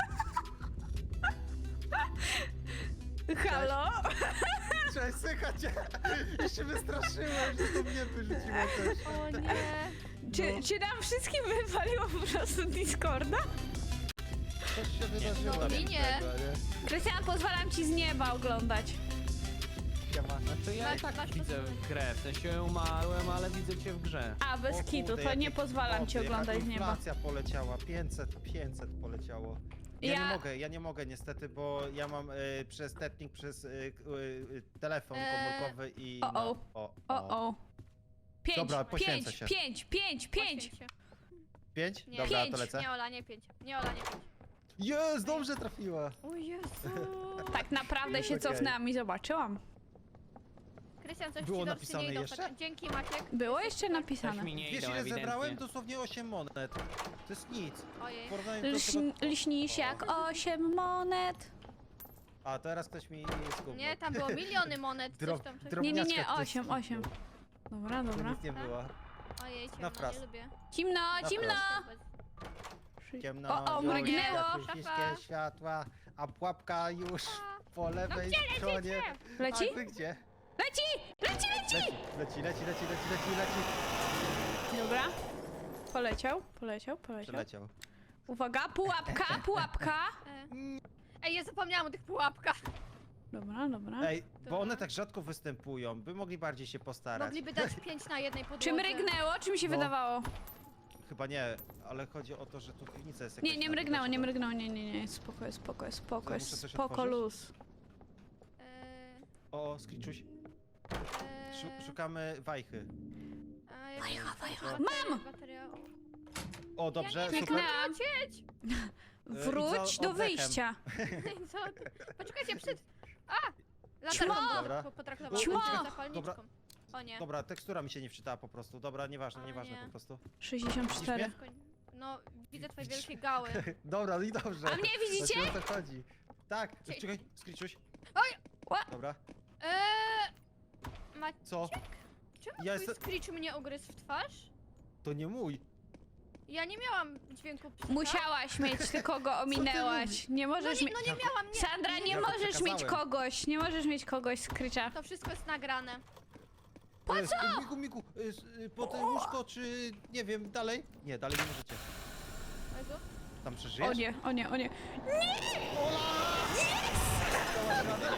[SPEAKER 2] Halo?
[SPEAKER 3] Cześć, słychać cię! Już się wystraszyłem, że to mnie wyrzuciło też.
[SPEAKER 1] O nie.
[SPEAKER 2] Czy,
[SPEAKER 3] No.
[SPEAKER 2] czy nam wszystkim wypaliło po prostu Discorda?
[SPEAKER 3] Coś się wydarzyło.
[SPEAKER 1] No, mi nie.
[SPEAKER 3] tego, nie?
[SPEAKER 2] Krystian, pozwalam ci z nieba oglądać.
[SPEAKER 3] Siema.
[SPEAKER 4] Znaczy ja i
[SPEAKER 1] Masz-
[SPEAKER 4] tak
[SPEAKER 1] masz
[SPEAKER 4] widzę
[SPEAKER 1] posłuchaj.
[SPEAKER 4] grę, w sensie umarłem, ale widzę cię w grze.
[SPEAKER 2] A, bez
[SPEAKER 3] O
[SPEAKER 2] kitu,
[SPEAKER 3] kurde,
[SPEAKER 2] to nie
[SPEAKER 3] jakie
[SPEAKER 2] pozwalam ci
[SPEAKER 3] kwoty,
[SPEAKER 2] oglądać
[SPEAKER 3] jaka
[SPEAKER 2] z nieba.
[SPEAKER 3] inflacja poleciała, pięćset, pięćset poleciało. Ja,
[SPEAKER 2] Ja-
[SPEAKER 3] nie mogę, ja nie mogę niestety, bo ja mam y, przez tetnik, przez y, y, y, telefon
[SPEAKER 1] Eee,
[SPEAKER 3] komórkowy i
[SPEAKER 2] o,
[SPEAKER 3] no,
[SPEAKER 2] o.
[SPEAKER 3] o,
[SPEAKER 2] O, o. Pięć,
[SPEAKER 3] Dobra, poświęcę
[SPEAKER 2] pięć,
[SPEAKER 3] się.
[SPEAKER 2] pięć, pięć, pięć.
[SPEAKER 1] Poświęć się.
[SPEAKER 3] Pięć?
[SPEAKER 1] Nie.
[SPEAKER 3] Dobra,
[SPEAKER 2] Pięć.
[SPEAKER 3] to lecę.
[SPEAKER 1] Nie, Ola, nie pięć. Nie, Ola, nie pięć.
[SPEAKER 3] Jest, dobrze trafiła.
[SPEAKER 1] O Jezu.
[SPEAKER 2] Tak naprawdę się
[SPEAKER 3] Okej.
[SPEAKER 2] cofnęłam i zobaczyłam.
[SPEAKER 1] Krystian, coś
[SPEAKER 3] Było
[SPEAKER 1] ci do
[SPEAKER 3] napisane
[SPEAKER 1] nie idą.
[SPEAKER 3] jeszcze?
[SPEAKER 1] tak- Dzięki, Maciek.
[SPEAKER 2] Było jeszcze
[SPEAKER 4] Coś
[SPEAKER 2] napisane.
[SPEAKER 4] mi nie
[SPEAKER 3] Wiesz
[SPEAKER 4] idą
[SPEAKER 3] ile
[SPEAKER 4] ewidentnie.
[SPEAKER 3] zebrałem? Dosłownie osiem monet. To jest nic.
[SPEAKER 1] Ojej.
[SPEAKER 3] W porównaniu do
[SPEAKER 2] Lśn,
[SPEAKER 3] tego...
[SPEAKER 2] lśnisz jak osiem monet.
[SPEAKER 3] A teraz ktoś mi zgubił.
[SPEAKER 1] Nie, tam było miliony monet, coś
[SPEAKER 3] Drob-
[SPEAKER 1] tam. Coś...
[SPEAKER 3] drob-
[SPEAKER 2] Nie, nie, nie,
[SPEAKER 3] Drobniaczka ktoś
[SPEAKER 2] osiem,
[SPEAKER 3] zgubił.
[SPEAKER 2] osiem. Dobra,
[SPEAKER 3] To
[SPEAKER 2] dobra.
[SPEAKER 3] nic nie było.
[SPEAKER 1] Ojej,
[SPEAKER 3] Na
[SPEAKER 1] ciemno,
[SPEAKER 3] wprost.
[SPEAKER 1] nie lubię.
[SPEAKER 2] Cimno, cimno!
[SPEAKER 3] Ciemno,
[SPEAKER 2] O, o,
[SPEAKER 3] zielone,
[SPEAKER 2] mrygnęło.
[SPEAKER 3] wszystkie światła, a pułapka już po lewej
[SPEAKER 1] No gdzie
[SPEAKER 3] stronie.
[SPEAKER 1] lecicie?
[SPEAKER 2] Leci?
[SPEAKER 3] A wy gdzie?
[SPEAKER 2] Leci! Leci, leci!
[SPEAKER 3] Leci, leci, leci, leci, leci, leci, leci.
[SPEAKER 2] Dobra. Poleciał, poleciał, poleciał.
[SPEAKER 3] Przeleciał.
[SPEAKER 2] Uwaga, pułapka, pułapka.
[SPEAKER 1] E. Ej, ja zapomniałam o tych pułapkach.
[SPEAKER 2] Dobra, dobra.
[SPEAKER 3] Ej, bo
[SPEAKER 1] Dobra.
[SPEAKER 3] one tak rzadko występują, by mogli bardziej się postarać.
[SPEAKER 1] Mogliby dać pięć na jednej podłodze.
[SPEAKER 2] Czy mrygnęło, czy mi się
[SPEAKER 3] No.
[SPEAKER 2] wydawało?
[SPEAKER 3] Chyba nie, ale chodzi o to, że tu piwnica jest jakaś
[SPEAKER 2] Nie, nie
[SPEAKER 3] na
[SPEAKER 2] mrygnęło, nie
[SPEAKER 3] widać,
[SPEAKER 2] mrygnęło, nie, nie, nie, spoko, spoko, spoko,
[SPEAKER 3] Co, muszę coś
[SPEAKER 2] spoko
[SPEAKER 3] otworzyć?
[SPEAKER 2] luz.
[SPEAKER 1] E,
[SPEAKER 3] to- O, Skriczuś,
[SPEAKER 1] e,
[SPEAKER 3] szu- szukamy wajchy.
[SPEAKER 1] a, jak-
[SPEAKER 2] Wajcha, wajcha.
[SPEAKER 1] bateria-
[SPEAKER 2] Mam!
[SPEAKER 1] bateria-
[SPEAKER 3] O, dobrze,
[SPEAKER 1] Ja nie
[SPEAKER 3] super.
[SPEAKER 2] Kliknęłam.
[SPEAKER 1] Lecieć!
[SPEAKER 2] Wróć
[SPEAKER 3] za
[SPEAKER 2] do
[SPEAKER 3] oddechem.
[SPEAKER 2] wyjścia.
[SPEAKER 1] Co ty? Poczekajcie, przed... A!
[SPEAKER 2] Ćmo!
[SPEAKER 1] Latarką
[SPEAKER 3] Dobra.
[SPEAKER 1] po- potraktowałam
[SPEAKER 2] Ćmo!
[SPEAKER 1] Ćmo! zapalniczką.
[SPEAKER 3] Dobra.
[SPEAKER 1] O nie.
[SPEAKER 3] Dobra, tekstura mi się nie wczytała po prostu. Dobra, nieważne,
[SPEAKER 1] O
[SPEAKER 3] nieważne
[SPEAKER 1] nie.
[SPEAKER 3] po prostu.
[SPEAKER 2] sześćdziesiąt cztery.
[SPEAKER 3] Widzisz
[SPEAKER 1] No, widzę twoje
[SPEAKER 3] Widzisz?
[SPEAKER 1] wielkie gały.
[SPEAKER 3] Dobra, no i dobrze.
[SPEAKER 2] A mnie widzicie?
[SPEAKER 3] Znaczy, o co chodzi? Tak,
[SPEAKER 1] Cie-
[SPEAKER 3] czekaj, Skriczuś.
[SPEAKER 1] Oj!
[SPEAKER 2] Ła-
[SPEAKER 3] Dobra,
[SPEAKER 1] Eee... Maciek?
[SPEAKER 3] co?
[SPEAKER 1] Czemu
[SPEAKER 3] Ja
[SPEAKER 1] ja
[SPEAKER 3] jestem-
[SPEAKER 1] twój screech mnie ugryzł w twarz?
[SPEAKER 3] To nie mój.
[SPEAKER 1] Ja nie miałam dźwięku psa.
[SPEAKER 2] Musiałaś mieć, tylko go ominęłaś. Nie
[SPEAKER 1] No
[SPEAKER 2] możesz
[SPEAKER 1] nie,
[SPEAKER 2] mieć...
[SPEAKER 1] no nie miałam, nie.
[SPEAKER 2] Sandra, nie
[SPEAKER 3] Ja to
[SPEAKER 2] możesz mieć
[SPEAKER 3] przekazałem.
[SPEAKER 2] kogoś, nie możesz mieć kogoś z krycza.
[SPEAKER 1] To wszystko jest nagrane.
[SPEAKER 3] Po co? Migu, migu, y, s- y, po te łóżko, czy nie wiem, dalej? Nie, dalej nie możecie.
[SPEAKER 1] Jezu.
[SPEAKER 3] Tam przeżyjesz?
[SPEAKER 2] O nie, o nie, o nie.
[SPEAKER 3] Dałaś radę?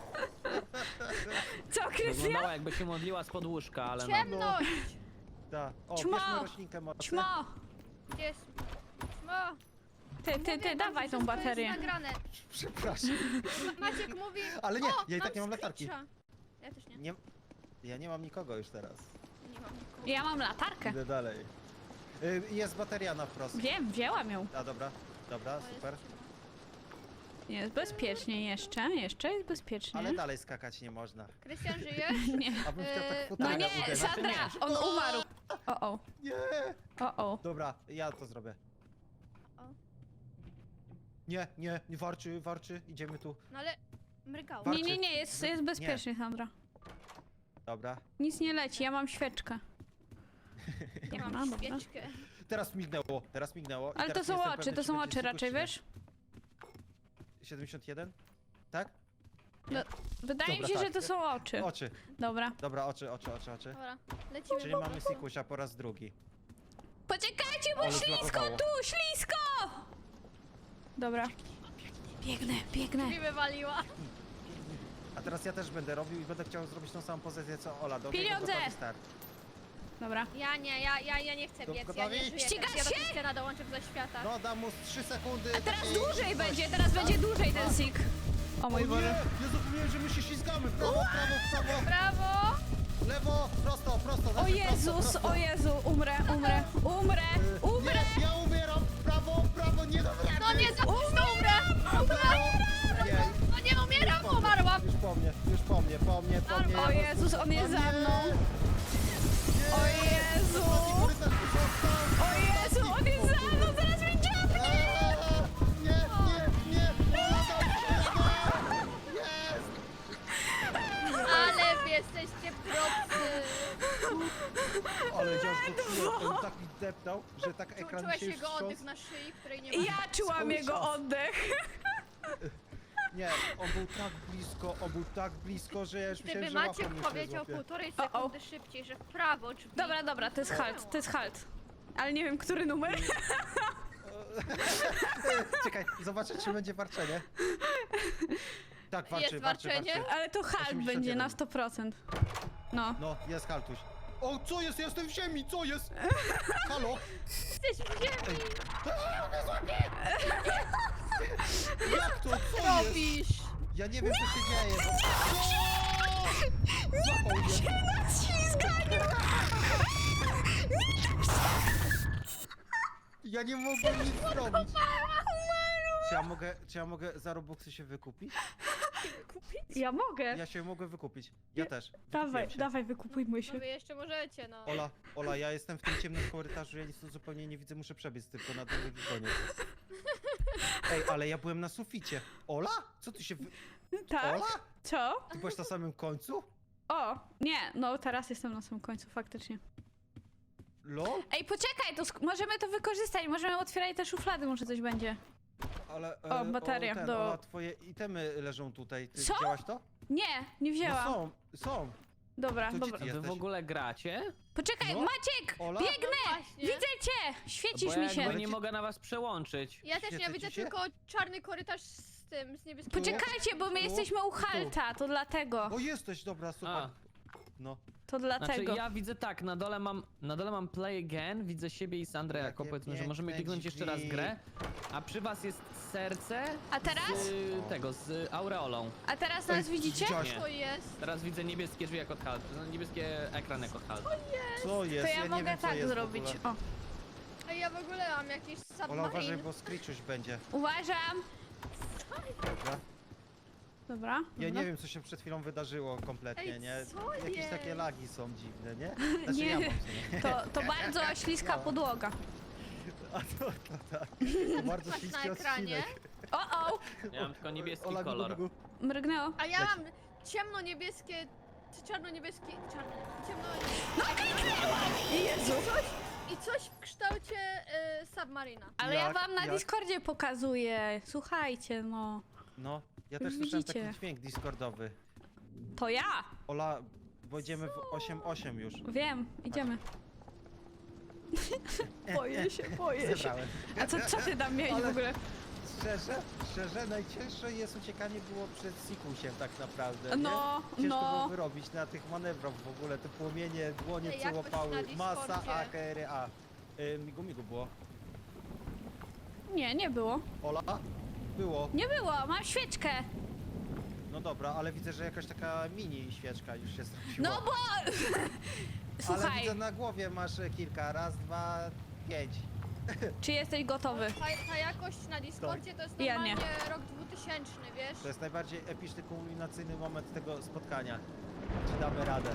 [SPEAKER 2] Co, Krystian?
[SPEAKER 4] Wyglądała jakby się modliła spod łóżka, ale no.
[SPEAKER 1] Ciemność!
[SPEAKER 3] Da. O,
[SPEAKER 2] Ćmo!
[SPEAKER 3] bierzmy roślinkę mocno.
[SPEAKER 2] Ćmo!
[SPEAKER 1] Gdzie jest? Ćmo!
[SPEAKER 2] Ty, ty,
[SPEAKER 1] Mówię
[SPEAKER 2] ty,
[SPEAKER 1] wam,
[SPEAKER 2] dawaj
[SPEAKER 1] że
[SPEAKER 2] tą
[SPEAKER 1] wszystko
[SPEAKER 2] baterię.
[SPEAKER 1] jest nagrane.
[SPEAKER 3] Przepraszam.
[SPEAKER 1] Ma Maciek mówi...
[SPEAKER 3] Ale nie,
[SPEAKER 1] o,
[SPEAKER 3] ja i tak
[SPEAKER 1] mam
[SPEAKER 3] nie mam latarki.
[SPEAKER 1] screecha. Ja też nie.
[SPEAKER 3] Nie, Ja nie mam nikogo już teraz.
[SPEAKER 1] Nie mam nikogo.
[SPEAKER 2] Ja mam latarkę.
[SPEAKER 3] Idę dalej. Y, jest bateria na wprost.
[SPEAKER 2] Wiem, wzięłam ją.
[SPEAKER 3] A dobra, dobra,
[SPEAKER 1] O, jest
[SPEAKER 3] super.
[SPEAKER 1] ciemno.
[SPEAKER 2] Jest bezpiecznie jeszcze, jeszcze jest bezpiecznie.
[SPEAKER 3] Ale dalej skakać nie można.
[SPEAKER 1] Krystian, żyjesz?
[SPEAKER 2] Nie.
[SPEAKER 3] A bym chciał tak
[SPEAKER 1] Eee,
[SPEAKER 2] No
[SPEAKER 3] futrę
[SPEAKER 2] nie,
[SPEAKER 3] uderzyć.
[SPEAKER 2] Sandra,
[SPEAKER 4] nie.
[SPEAKER 2] on umarł. O, o,
[SPEAKER 3] Nie!
[SPEAKER 2] o, o.
[SPEAKER 3] Dobra, ja to zrobię.
[SPEAKER 1] O.
[SPEAKER 3] Nie, nie, nie warczy, warczy, idziemy tu.
[SPEAKER 1] No ale mrygało.
[SPEAKER 3] War-
[SPEAKER 2] Nie, nie, nie, jest, jest bezpiecznie, Sandra.
[SPEAKER 3] Dobra.
[SPEAKER 2] Nic nie leci, ja mam świeczkę.
[SPEAKER 1] Ja
[SPEAKER 2] Dobra,
[SPEAKER 1] mam
[SPEAKER 2] dobra.
[SPEAKER 1] świeczkę.
[SPEAKER 3] Teraz mignęło, teraz mignęło. i
[SPEAKER 2] Ale to
[SPEAKER 3] teraz
[SPEAKER 2] są
[SPEAKER 3] nie jestem
[SPEAKER 2] oczy,
[SPEAKER 3] pewny,
[SPEAKER 2] to
[SPEAKER 3] czy
[SPEAKER 2] są
[SPEAKER 3] będzie
[SPEAKER 2] oczy raczej,
[SPEAKER 3] sykuś,
[SPEAKER 2] wiesz?
[SPEAKER 3] czy nie. siedemdziesiąt jeden? Tak?
[SPEAKER 2] Wydaje mi
[SPEAKER 3] Dobra,
[SPEAKER 2] się, że
[SPEAKER 3] tak.
[SPEAKER 2] to są oczy.
[SPEAKER 3] Oczy.
[SPEAKER 2] Dobra.
[SPEAKER 3] Dobra, oczy, oczy, oczy, oczy.
[SPEAKER 1] Dobra, lecimy.
[SPEAKER 3] Czyli mamy Sikusia po raz drugi.
[SPEAKER 2] Poczekajcie, bo
[SPEAKER 3] Ale
[SPEAKER 2] ślisko
[SPEAKER 3] zblokowało.
[SPEAKER 2] tu, ślisko! Dobra. Biegnę, biegnę.
[SPEAKER 1] Mi wywaliła.
[SPEAKER 3] A teraz ja też będę robił i będę chciał zrobić tą samą pozycję co Ola. Do
[SPEAKER 2] Pieniądze!
[SPEAKER 3] gotowy start.
[SPEAKER 2] Dobra.
[SPEAKER 1] Ja nie, ja, ja, ja nie chcę
[SPEAKER 3] To
[SPEAKER 1] biec, ja
[SPEAKER 3] gotowi?
[SPEAKER 1] nie żyję.
[SPEAKER 2] Ścigasz
[SPEAKER 1] teraz. Ja
[SPEAKER 2] się?
[SPEAKER 1] do Krystiana dołączę do świata.
[SPEAKER 3] No, dam mu trzy sekundy.
[SPEAKER 2] Teraz
[SPEAKER 3] takiej
[SPEAKER 2] dłużej
[SPEAKER 3] szybkości.
[SPEAKER 2] będzie, teraz będzie dłużej ten sik. O
[SPEAKER 3] O
[SPEAKER 2] mój
[SPEAKER 3] nie!
[SPEAKER 2] Boże.
[SPEAKER 3] Ja zapomniałem, że my się ślizgamy. W prawo, w prawo, w prawo.
[SPEAKER 1] Brawo!
[SPEAKER 3] Lewo, prosto, prosto.
[SPEAKER 2] O
[SPEAKER 3] znaczy
[SPEAKER 2] Jezus,
[SPEAKER 3] prosto, prosto.
[SPEAKER 2] o Jezu, umrę, umrę, umrę,
[SPEAKER 3] Y,
[SPEAKER 2] umrę.
[SPEAKER 3] Nie, ja umieram. W prawo, w prawo, nie dam rady.
[SPEAKER 1] No nie, za późno umrę!
[SPEAKER 3] Nie,
[SPEAKER 1] No nie umieram, umarłam!
[SPEAKER 3] już po mnie, już po mnie, po mnie, po mnie.
[SPEAKER 2] O Jezus, on jest za mną. O Jezu. O Jezu, on jest za mną, zaraz mnie dziabnie.
[SPEAKER 3] Nie, nie, nie. Jest.
[SPEAKER 1] Ale wy jesteście propsy!
[SPEAKER 3] Ale ja już go czułem, on tak mi deptał, że tak
[SPEAKER 1] Czu,
[SPEAKER 3] ekran
[SPEAKER 1] czułeś
[SPEAKER 3] się już
[SPEAKER 1] jego
[SPEAKER 3] wstrząsł.
[SPEAKER 1] oddech na szyi, której nie ma.
[SPEAKER 2] Ja czułam
[SPEAKER 3] Cały
[SPEAKER 2] jego
[SPEAKER 3] czas.
[SPEAKER 2] oddech.
[SPEAKER 3] Nie, on był tak blisko, on był tak blisko, że ja już myślałem,
[SPEAKER 1] Gdyby
[SPEAKER 3] że
[SPEAKER 1] Maciek
[SPEAKER 3] łapą mnie
[SPEAKER 1] powiedział
[SPEAKER 3] złapie.
[SPEAKER 1] półtorej
[SPEAKER 2] O, o.
[SPEAKER 1] sekundy szybciej, że w prawo drzwi.
[SPEAKER 2] Dobra, dobra, to jest halt, to jest halt. Ale nie wiem, który numer.
[SPEAKER 3] Czekaj, zobaczę, czy będzie warczenie. Tak, warczy,
[SPEAKER 1] Jest
[SPEAKER 3] warczy,
[SPEAKER 1] warczenie?
[SPEAKER 3] warczy.
[SPEAKER 2] Ale to halt
[SPEAKER 3] osiemdziesiąt
[SPEAKER 2] będzie na
[SPEAKER 3] jeden.
[SPEAKER 2] sto procent. No.
[SPEAKER 3] No, jest haltuś. O, co jest? Jestem w ziemi, co jest? Halo?
[SPEAKER 1] Jesteś w ziemi!
[SPEAKER 3] Jak to? Co jest?
[SPEAKER 1] Robisz!
[SPEAKER 3] Ja nie wiem, co się dzieje. Bo... Złapał mnie.
[SPEAKER 2] Na ślizganiu!
[SPEAKER 3] Ja nie mogłem nic zrobić. Czy ja mogę, czy ja mogę za Robuxy się wykupić?
[SPEAKER 2] Ja mogę.
[SPEAKER 3] Ja się mogę wykupić. Ja też.
[SPEAKER 2] Dawaj,
[SPEAKER 3] Wykupiłem się.
[SPEAKER 2] dawaj, wykupujmy
[SPEAKER 1] No
[SPEAKER 2] się.
[SPEAKER 1] wy jeszcze możecie, no.
[SPEAKER 3] Ola, Ola, ja jestem w tym ciemnym korytarzu, ja nic tu zupełnie nie widzę, muszę przebiec tylko na drugi koniec. Ej, ale ja byłem na suficie. Ola? Co tu się wy...
[SPEAKER 2] Tak?
[SPEAKER 3] Ola?
[SPEAKER 2] Co?
[SPEAKER 3] Ty byłeś na samym końcu?
[SPEAKER 2] O, nie, no teraz jestem na samym końcu, faktycznie.
[SPEAKER 3] Lol?
[SPEAKER 2] Ej, poczekaj, to sk- możemy to wykorzystać, możemy otwierać te szuflady, może coś będzie.
[SPEAKER 3] Ale...
[SPEAKER 2] O, bateria
[SPEAKER 3] ten,
[SPEAKER 2] do-
[SPEAKER 3] Ola, twoje itemy leżą tutaj. Ty
[SPEAKER 2] Co?
[SPEAKER 3] widziałaś to?
[SPEAKER 2] Nie, nie
[SPEAKER 3] No
[SPEAKER 2] wzięłam.
[SPEAKER 3] są, są.
[SPEAKER 2] Dobra,
[SPEAKER 3] To
[SPEAKER 2] dobra.
[SPEAKER 3] Ty
[SPEAKER 4] Wy w
[SPEAKER 3] jesteś?
[SPEAKER 4] ogóle gracie?
[SPEAKER 2] Poczekaj,
[SPEAKER 3] No.
[SPEAKER 2] Maciek!
[SPEAKER 3] Ola?
[SPEAKER 2] Biegnę!
[SPEAKER 1] No właśnie.
[SPEAKER 2] Widzę cię! Świecisz
[SPEAKER 4] Bo
[SPEAKER 2] mi
[SPEAKER 4] ja
[SPEAKER 2] się.
[SPEAKER 4] jakby nie
[SPEAKER 3] Ci-
[SPEAKER 4] mogę na was przełączyć.
[SPEAKER 1] Ja też nie
[SPEAKER 3] Świecę
[SPEAKER 1] widzę
[SPEAKER 3] ci się?
[SPEAKER 1] tylko czarny korytarz z tym, z niebieskim.
[SPEAKER 2] Poczekajcie, bo my
[SPEAKER 3] Tu?
[SPEAKER 2] jesteśmy u
[SPEAKER 3] Tu?
[SPEAKER 2] Halta, to dlatego.
[SPEAKER 3] O, jesteś, dobra, super.
[SPEAKER 4] A.
[SPEAKER 3] No.
[SPEAKER 2] To
[SPEAKER 4] Znaczy
[SPEAKER 2] dlatego.
[SPEAKER 4] ja widzę tak, na dole mam, na dole mam play again, widzę siebie i Sandrę jako
[SPEAKER 3] Jakie
[SPEAKER 4] powiedzmy, że możemy
[SPEAKER 3] piękne
[SPEAKER 4] kliknąć jeszcze raz
[SPEAKER 3] drzwi.
[SPEAKER 4] grę, a przy was jest serce
[SPEAKER 2] A teraz?
[SPEAKER 4] z tego, z aureolą.
[SPEAKER 2] A teraz nas
[SPEAKER 3] Ej,
[SPEAKER 2] widzicie?
[SPEAKER 3] widziałaś-
[SPEAKER 4] Nie.
[SPEAKER 1] To jest.
[SPEAKER 4] Teraz widzę niebieskie drzwi jako halt, niebieskie ekran jako halt.
[SPEAKER 3] Co jest?
[SPEAKER 2] To ja
[SPEAKER 3] nie
[SPEAKER 2] mogę
[SPEAKER 3] wiem, co
[SPEAKER 2] tak
[SPEAKER 3] jest w
[SPEAKER 2] zrobić.
[SPEAKER 3] ogóle.
[SPEAKER 2] O,
[SPEAKER 1] A ja w ogóle mam jakiś
[SPEAKER 3] Ola, uważaj,
[SPEAKER 1] submarine.
[SPEAKER 3] bo Screechuś będzie.
[SPEAKER 2] uważam.
[SPEAKER 3] Dobra.
[SPEAKER 2] Dobra.
[SPEAKER 3] Ja
[SPEAKER 2] dobra.
[SPEAKER 3] nie wiem, co się przed chwilą wydarzyło kompletnie,
[SPEAKER 1] Ej,
[SPEAKER 3] nie?
[SPEAKER 1] co
[SPEAKER 3] Jakieś
[SPEAKER 1] jest?
[SPEAKER 3] takie lagi są dziwne, nie? Znaczy
[SPEAKER 2] Nie.
[SPEAKER 3] ja mam, co nie?
[SPEAKER 2] To, to bardzo śliska
[SPEAKER 3] No.
[SPEAKER 2] podłoga.
[SPEAKER 3] A to, to tak. To bardzo
[SPEAKER 1] Patrz na
[SPEAKER 3] śliski
[SPEAKER 1] ekranie.
[SPEAKER 3] odcinek.
[SPEAKER 2] O, o!
[SPEAKER 4] Ja mam tylko niebieski
[SPEAKER 3] Ola,
[SPEAKER 4] kolor.
[SPEAKER 3] gugu, gugu.
[SPEAKER 2] Mrygnęło.
[SPEAKER 1] A ja
[SPEAKER 3] Leci.
[SPEAKER 1] mam ciemno-niebieskie, czy czarno-niebieskie, czarno, ciemno
[SPEAKER 2] Jezu!
[SPEAKER 1] i coś w kształcie y, submarina.
[SPEAKER 2] Ale ja
[SPEAKER 3] Jak-
[SPEAKER 2] wam na
[SPEAKER 3] jak?
[SPEAKER 2] Discordzie pokazuję. Słuchajcie, no.
[SPEAKER 3] No, ja też słyszałem
[SPEAKER 2] Widzicie.
[SPEAKER 3] taki dźwięk discordowy.
[SPEAKER 2] To ja!
[SPEAKER 3] Ola, wejdziemy w osiem osiem już.
[SPEAKER 2] Wiem, idziemy. Boję się, boję się.
[SPEAKER 3] Zebrałem.
[SPEAKER 2] A co, co ty tam miałeś
[SPEAKER 3] Ale-
[SPEAKER 2] w ogóle?
[SPEAKER 3] Szczerze, szczerze, najcięższe jest uciekanie było przed Sikusiem tak naprawdę,
[SPEAKER 2] No,
[SPEAKER 3] nie? Ciężko
[SPEAKER 2] no.
[SPEAKER 3] było wyrobić na tych manewrach w ogóle, te płomienie, dłonie
[SPEAKER 1] Ej,
[SPEAKER 3] co
[SPEAKER 1] jakoś
[SPEAKER 3] łapały,
[SPEAKER 1] na
[SPEAKER 3] masa
[SPEAKER 1] Discordzie.
[SPEAKER 3] A, K R A. Y, migu migu było.
[SPEAKER 2] Nie, nie było.
[SPEAKER 3] Ola? Było.
[SPEAKER 2] Nie było, mam świeczkę.
[SPEAKER 3] No dobra, ale widzę, że jakaś taka mini świeczka już się zrobiła.
[SPEAKER 2] No bo...
[SPEAKER 3] Ale
[SPEAKER 2] Słuchaj,
[SPEAKER 3] widzę na głowie masz e, kilka. Raz, dwa, pięć.
[SPEAKER 2] czy jesteś gotowy?
[SPEAKER 1] Ta, ta jakość na Discordzie to jest
[SPEAKER 2] Ja
[SPEAKER 1] normalnie
[SPEAKER 2] nie.
[SPEAKER 1] rok dwutysięczny, wiesz?
[SPEAKER 3] To jest najbardziej epicny, kulminacyjny moment tego spotkania. Czy damy radę?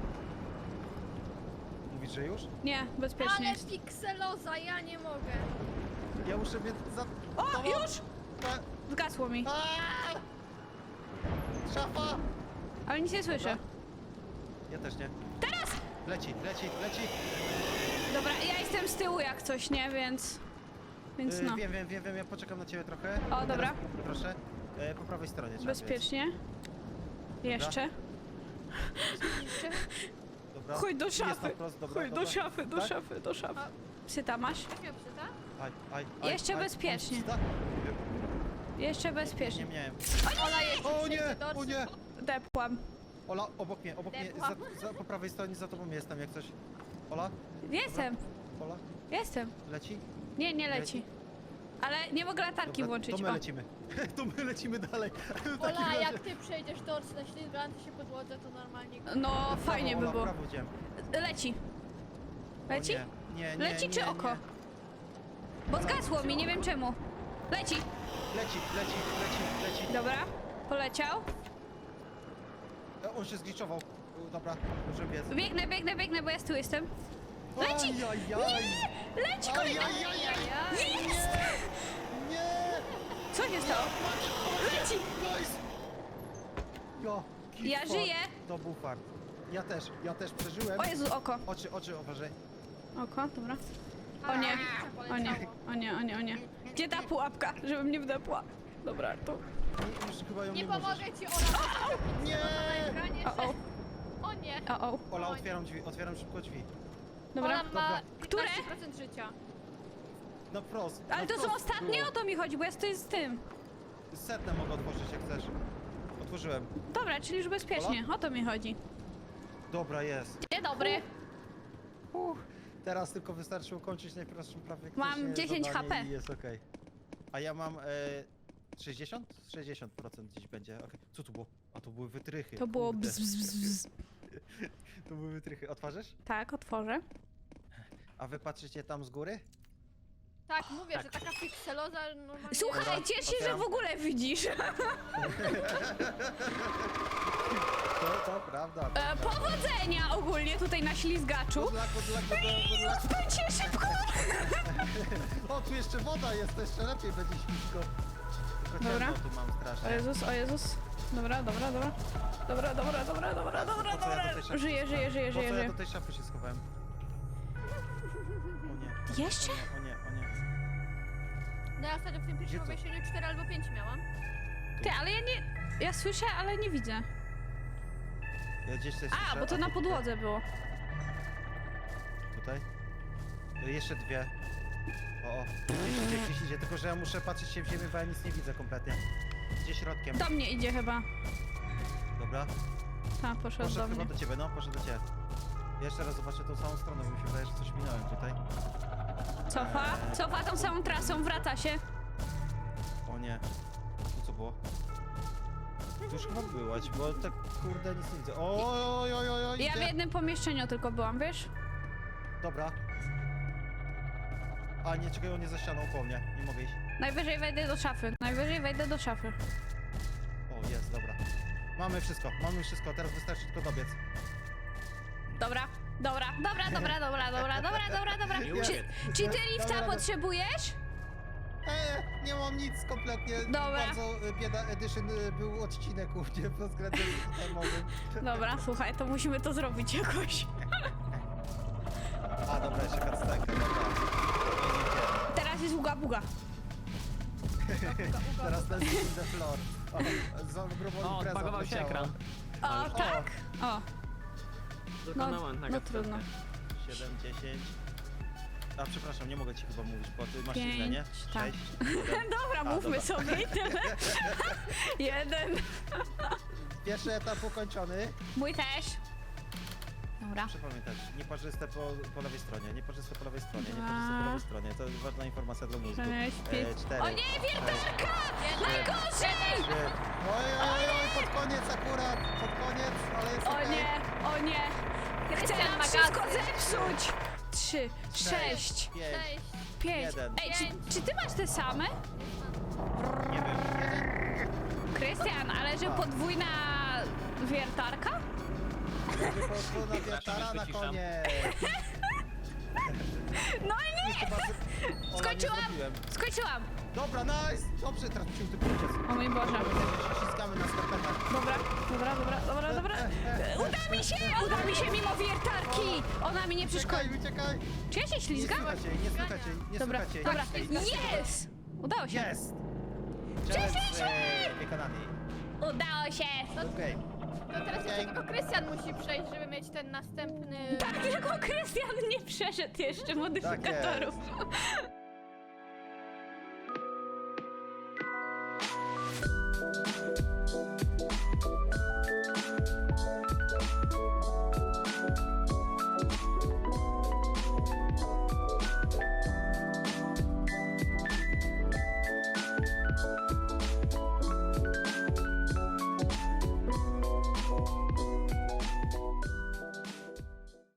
[SPEAKER 3] Mówisz, że już?
[SPEAKER 2] Nie, bezpiecznie
[SPEAKER 1] Ale
[SPEAKER 2] jest.
[SPEAKER 1] pikseloza, ja nie mogę.
[SPEAKER 3] Ja muszę mieć za...
[SPEAKER 2] O,
[SPEAKER 3] to-
[SPEAKER 2] już!
[SPEAKER 3] E,
[SPEAKER 2] Zgasło mi,
[SPEAKER 3] aaa! Szafa!
[SPEAKER 2] ale nic nie słyszę.
[SPEAKER 3] Dobra. Ja też nie.
[SPEAKER 2] Teraz!
[SPEAKER 3] Leci, leci, leci.
[SPEAKER 2] Dobra, ja jestem z tyłu jak coś, nie? Więc... Więc
[SPEAKER 3] Y,
[SPEAKER 2] no.
[SPEAKER 3] Wiem, wiem, wiem, wiem, ja poczekam na ciebie trochę.
[SPEAKER 2] O,
[SPEAKER 3] Teraz,
[SPEAKER 2] dobra.
[SPEAKER 3] Proszę. E, po prawej stronie trzeba
[SPEAKER 2] Bezpiecznie. Jeszcze.
[SPEAKER 3] biec. Dobra.
[SPEAKER 2] Chodź do
[SPEAKER 3] Jest na
[SPEAKER 2] szafy.
[SPEAKER 3] wprost, dobra,
[SPEAKER 2] Chodź do
[SPEAKER 3] dobra.
[SPEAKER 2] szafy, do
[SPEAKER 3] Tak?
[SPEAKER 2] szafy, do szafy.
[SPEAKER 1] A-
[SPEAKER 2] Psyta masz?
[SPEAKER 1] Weź mnie psyta?
[SPEAKER 3] Aj, aj, aj,
[SPEAKER 2] Jeszcze
[SPEAKER 3] aj.
[SPEAKER 2] bezpiecznie.
[SPEAKER 3] Mam psta?
[SPEAKER 2] Jeszcze
[SPEAKER 3] Nie,
[SPEAKER 2] bezpiecznie.
[SPEAKER 3] nie miałem.
[SPEAKER 1] Ola jeszcze
[SPEAKER 3] O
[SPEAKER 1] przejdzie
[SPEAKER 3] nie,
[SPEAKER 1] dorsy.
[SPEAKER 3] o nie!
[SPEAKER 2] Depłam.
[SPEAKER 3] Ola, obok mnie, obok mnie,
[SPEAKER 1] Depłam.
[SPEAKER 3] za, za, po prawej stronie za tobą jestem, jak coś. Ola?
[SPEAKER 2] Jestem,
[SPEAKER 3] Ola?
[SPEAKER 2] jestem.
[SPEAKER 3] Leci?
[SPEAKER 2] Nie, nie leci. Ale nie mogę latarki
[SPEAKER 3] Dobra,
[SPEAKER 2] włączyć.
[SPEAKER 3] to my
[SPEAKER 2] O.
[SPEAKER 3] lecimy. to my lecimy dalej. W takim
[SPEAKER 1] Ola,
[SPEAKER 3] razie-
[SPEAKER 1] jak ty przejdziesz dorsy na ślizgającej się podłodze, to normalnie...
[SPEAKER 2] No, fajnie by
[SPEAKER 3] Ola,
[SPEAKER 2] było.
[SPEAKER 3] prawo idziemy.
[SPEAKER 2] Leci.
[SPEAKER 3] O
[SPEAKER 2] Leci?
[SPEAKER 3] Nie, nie, nie,
[SPEAKER 2] Leci
[SPEAKER 3] nie,
[SPEAKER 2] czy
[SPEAKER 3] nie.
[SPEAKER 2] oko? Bo zgasło mi, nie wiem czemu. Leci.
[SPEAKER 3] Leci, leci, leci, leci.
[SPEAKER 2] Dobra, poleciał.
[SPEAKER 3] E, On się zgliczował. U, Dobra, może biec.
[SPEAKER 2] Biegnę, biegnę, biegnę, bo ja z tyłu jestem. Leci!
[SPEAKER 3] Ajajaj.
[SPEAKER 2] Leci kolejny!
[SPEAKER 3] Ajajajaj.
[SPEAKER 2] Jest!
[SPEAKER 3] Nie!
[SPEAKER 2] Co się stało? Leci!
[SPEAKER 3] Nice! Jo, kit
[SPEAKER 2] Ja
[SPEAKER 3] fart.
[SPEAKER 2] żyję.
[SPEAKER 3] To był fart. Ja też, ja też przeżyłem.
[SPEAKER 2] O Jezu, oko.
[SPEAKER 3] Oczy, oczy, uważaj.
[SPEAKER 2] Oko, dobra. O nie, o nie, o nie, o nie, o nie. Gdzie ta pułapka, żebym nie wdepła? Dobra, tu.
[SPEAKER 3] Nie, już chyba ją nie,
[SPEAKER 1] Nie
[SPEAKER 3] możesz.
[SPEAKER 1] pomogę ci, Ola, bo
[SPEAKER 3] Nie!
[SPEAKER 1] na ekranie,
[SPEAKER 2] O, o,
[SPEAKER 1] że... O nie.
[SPEAKER 2] o, o.
[SPEAKER 3] Ola, otwieram drzwi, otwieram szybko drzwi.
[SPEAKER 2] Dobra.
[SPEAKER 1] Ola ma
[SPEAKER 2] Które?
[SPEAKER 1] piętnaście procent życia.
[SPEAKER 3] Na wprost.
[SPEAKER 2] Ale
[SPEAKER 3] na
[SPEAKER 2] to są
[SPEAKER 3] wprost
[SPEAKER 2] ostatnie,
[SPEAKER 3] było.
[SPEAKER 2] o to mi chodzi, bo ja stoję z tym.
[SPEAKER 3] Setne mogę otworzyć, jak chcesz. Otworzyłem.
[SPEAKER 2] Dobra, czyli już bezpiecznie, o to mi chodzi.
[SPEAKER 3] Dobra, jest.
[SPEAKER 2] Dzień dobry.
[SPEAKER 3] Uff. Teraz tylko wystarczy ukończyć najprostszą prawie
[SPEAKER 2] Mam dziesięć
[SPEAKER 3] zadanie
[SPEAKER 2] H P.
[SPEAKER 3] i jest okej. A ja mam e, sześćdziesiąt? sześćdziesiąt procent gdzieś będzie. Okay. Co tu było? A to były wytrychy.
[SPEAKER 2] To było
[SPEAKER 3] kurde.
[SPEAKER 2] bzz, bzz, bzz.
[SPEAKER 3] To były wytrychy. Otworzysz?
[SPEAKER 2] Tak, otworzę.
[SPEAKER 3] A wy patrzycie tam z góry?
[SPEAKER 1] Tak, mówię, że taka pikseloza normalnie...
[SPEAKER 2] Słuchaj,
[SPEAKER 3] Dobra,
[SPEAKER 2] ciesz się, że
[SPEAKER 3] otwieram.
[SPEAKER 2] w ogóle widzisz.
[SPEAKER 3] To, to prawda.
[SPEAKER 2] E, powodzenia ogólnie tutaj na ślizgaczu.
[SPEAKER 3] Good luck, good luck, good luck, good luck.
[SPEAKER 2] Spędźcie szybko.
[SPEAKER 3] O, tu jeszcze woda jest, to jeszcze lepiej będzie ślisko. Tylko
[SPEAKER 2] Dobra.
[SPEAKER 3] ciemno tu mam
[SPEAKER 2] O
[SPEAKER 3] strasznie.
[SPEAKER 2] Jezus, o Jezus. Dobra, dobra, dobra. Dobra, dobra, dobra, dobra, dobra,
[SPEAKER 3] Po co ja do tej
[SPEAKER 2] dobra.
[SPEAKER 3] szafy
[SPEAKER 2] Żyję,
[SPEAKER 3] się
[SPEAKER 2] żyję, żyję,
[SPEAKER 3] schowałem? Po
[SPEAKER 2] żyję,
[SPEAKER 3] co ja
[SPEAKER 2] żyję.
[SPEAKER 3] do tej szafy się schowałem? O nie.
[SPEAKER 2] Jeszcze?
[SPEAKER 3] O nie, o nie.
[SPEAKER 1] No ja ostatnio w tym
[SPEAKER 3] Gdzie
[SPEAKER 1] pierwszym
[SPEAKER 3] to?
[SPEAKER 1] pomieszczeniu cztery albo pięć miałam.
[SPEAKER 2] Ty, ale ja nie... Ja słyszę, ale nie widzę.
[SPEAKER 3] Ja gdzieś coś
[SPEAKER 2] A,
[SPEAKER 3] słyszę,
[SPEAKER 2] bo to
[SPEAKER 3] ty
[SPEAKER 2] na
[SPEAKER 3] tutaj-
[SPEAKER 2] podłodze było.
[SPEAKER 3] Tutaj? Y, Jeszcze dwie. O, o. Gdzieś idzie, gdzieś idzie, tylko że ja muszę patrzeć się w ziemię, bo ja nic nie widzę kompletnie. Gdzie środkiem.
[SPEAKER 2] Do mnie idzie chyba.
[SPEAKER 3] Dobra.
[SPEAKER 2] Ta, poszedł
[SPEAKER 3] Poszedł
[SPEAKER 2] do
[SPEAKER 3] chyba
[SPEAKER 2] mnie.
[SPEAKER 3] do ciebie, no, poszedł do ciebie. Ja jeszcze raz zobaczę tą samą stronę, bo mi się wydaje, że coś minąłem tutaj.
[SPEAKER 2] Cofa, cofa tą samą trasą, wraca się.
[SPEAKER 3] O nie. Tu co było? Tu już chyba byłaś, bo tak kurde nic nie widzę. Oj, oj, oj, oj,
[SPEAKER 2] Ja w
[SPEAKER 3] idzie.
[SPEAKER 2] jednym pomieszczeniu tylko byłam, wiesz?
[SPEAKER 3] Dobra. A nie, czekaj, on nie za ścianą po mnie. Nie mogę iść.
[SPEAKER 2] Najwyżej wejdę do szafy, najwyżej wejdę do szafy.
[SPEAKER 3] O, jest, dobra. Mamy wszystko, mamy wszystko, teraz wystarczy tylko dobiec.
[SPEAKER 2] Dobra, dobra, dobra, dobra, dobra, dobra, dobra, dobra, dobra.
[SPEAKER 3] Już.
[SPEAKER 2] Czy, czy ty lifta
[SPEAKER 3] Dobra,
[SPEAKER 2] potrzebujesz?
[SPEAKER 3] Eee, nie mam nic kompletnie.
[SPEAKER 2] Dobra.
[SPEAKER 3] Bardzo e, bieda edition e, był odcinek u mnie pod względem temowym.
[SPEAKER 2] Dobra, słuchaj, to musimy to zrobić jakoś.
[SPEAKER 3] A, dobra, jeszcze cutscenkę, dobra.
[SPEAKER 2] Teraz jest uga buga.
[SPEAKER 3] Teraz ten in the floor. O, za grubą
[SPEAKER 4] O,
[SPEAKER 3] imprezą
[SPEAKER 4] odbagował się
[SPEAKER 3] leciała.
[SPEAKER 4] ekran.
[SPEAKER 2] O, tak? O,
[SPEAKER 4] Dokonałem
[SPEAKER 2] no
[SPEAKER 4] na
[SPEAKER 2] trudno.
[SPEAKER 3] siedem, dziesięć. A, przepraszam, nie mogę ci chyba mówić, bo ty masz
[SPEAKER 2] Pięć,
[SPEAKER 3] inne, nie?
[SPEAKER 2] tak.
[SPEAKER 3] sześć, siedem.
[SPEAKER 2] Dobra,
[SPEAKER 3] A,
[SPEAKER 2] mówmy
[SPEAKER 3] dobra.
[SPEAKER 2] sobie i tyle. Jeden.
[SPEAKER 3] Pierwszy etap ukończony.
[SPEAKER 2] Mój też. Dobra.
[SPEAKER 3] Muszę pamiętać, nieparzyste po, po lewej stronie, nieparzyste po lewej stronie,
[SPEAKER 2] Dwa.
[SPEAKER 3] nieparzyste po lewej stronie. To jest ważna informacja dla mózgu.
[SPEAKER 2] Sześć, pięć.
[SPEAKER 3] E, cztery,
[SPEAKER 2] O nie, wiertarka!
[SPEAKER 3] sześć,
[SPEAKER 2] Najgorzej!
[SPEAKER 3] trzy. Oj, oj, oj, pod koniec akurat, pod koniec, ale jest
[SPEAKER 2] O
[SPEAKER 3] okej.
[SPEAKER 2] nie, o nie. Ja chcę
[SPEAKER 1] Krystian
[SPEAKER 2] nam
[SPEAKER 1] ma
[SPEAKER 2] wszystko
[SPEAKER 1] gazy.
[SPEAKER 2] zepsuć. Trzy, sześć,
[SPEAKER 3] Pięć,
[SPEAKER 1] Cześć.
[SPEAKER 2] pięć.
[SPEAKER 3] jeden.
[SPEAKER 2] Ej, czy, czy ty masz te same?
[SPEAKER 3] nie wiem, jeden.
[SPEAKER 2] Krystian, ale że podwójna wiertarka?
[SPEAKER 3] Będzie podwójna wiatara na
[SPEAKER 4] wyciszam.
[SPEAKER 3] koniec.
[SPEAKER 2] No nie!
[SPEAKER 3] Chyba, że... Ola, nie
[SPEAKER 2] Skończyłam!
[SPEAKER 3] zrobiłem.
[SPEAKER 2] Skończyłam!
[SPEAKER 3] Dobra, nice! Dobrze, teraz musimy tylko uciec.
[SPEAKER 2] O mój Boże.
[SPEAKER 3] Ściskamy na skarpetach.
[SPEAKER 2] Dobra, dobra, dobra, dobra, dobra. Uda mi się! Uda mi się mimo wiertarki! Ona mi nie przeszkodzi.
[SPEAKER 3] Uciekaj, uciekaj!
[SPEAKER 2] Czy ja się
[SPEAKER 3] Nie
[SPEAKER 2] ślizgam?
[SPEAKER 3] słychać jej, nie słychać jej, nie
[SPEAKER 2] Dobra,
[SPEAKER 3] słychać jej.
[SPEAKER 2] dobra.
[SPEAKER 3] Ej,
[SPEAKER 2] Yes! Udało się.
[SPEAKER 3] Jest! Challenge e, wykonany.
[SPEAKER 2] Udało się!
[SPEAKER 3] Okej.
[SPEAKER 1] To teraz jeszcze tylko Krystian musi przejść, żeby mieć ten następny...
[SPEAKER 2] Tak, tylko Krystian nie przeszedł jeszcze modyfikatorów.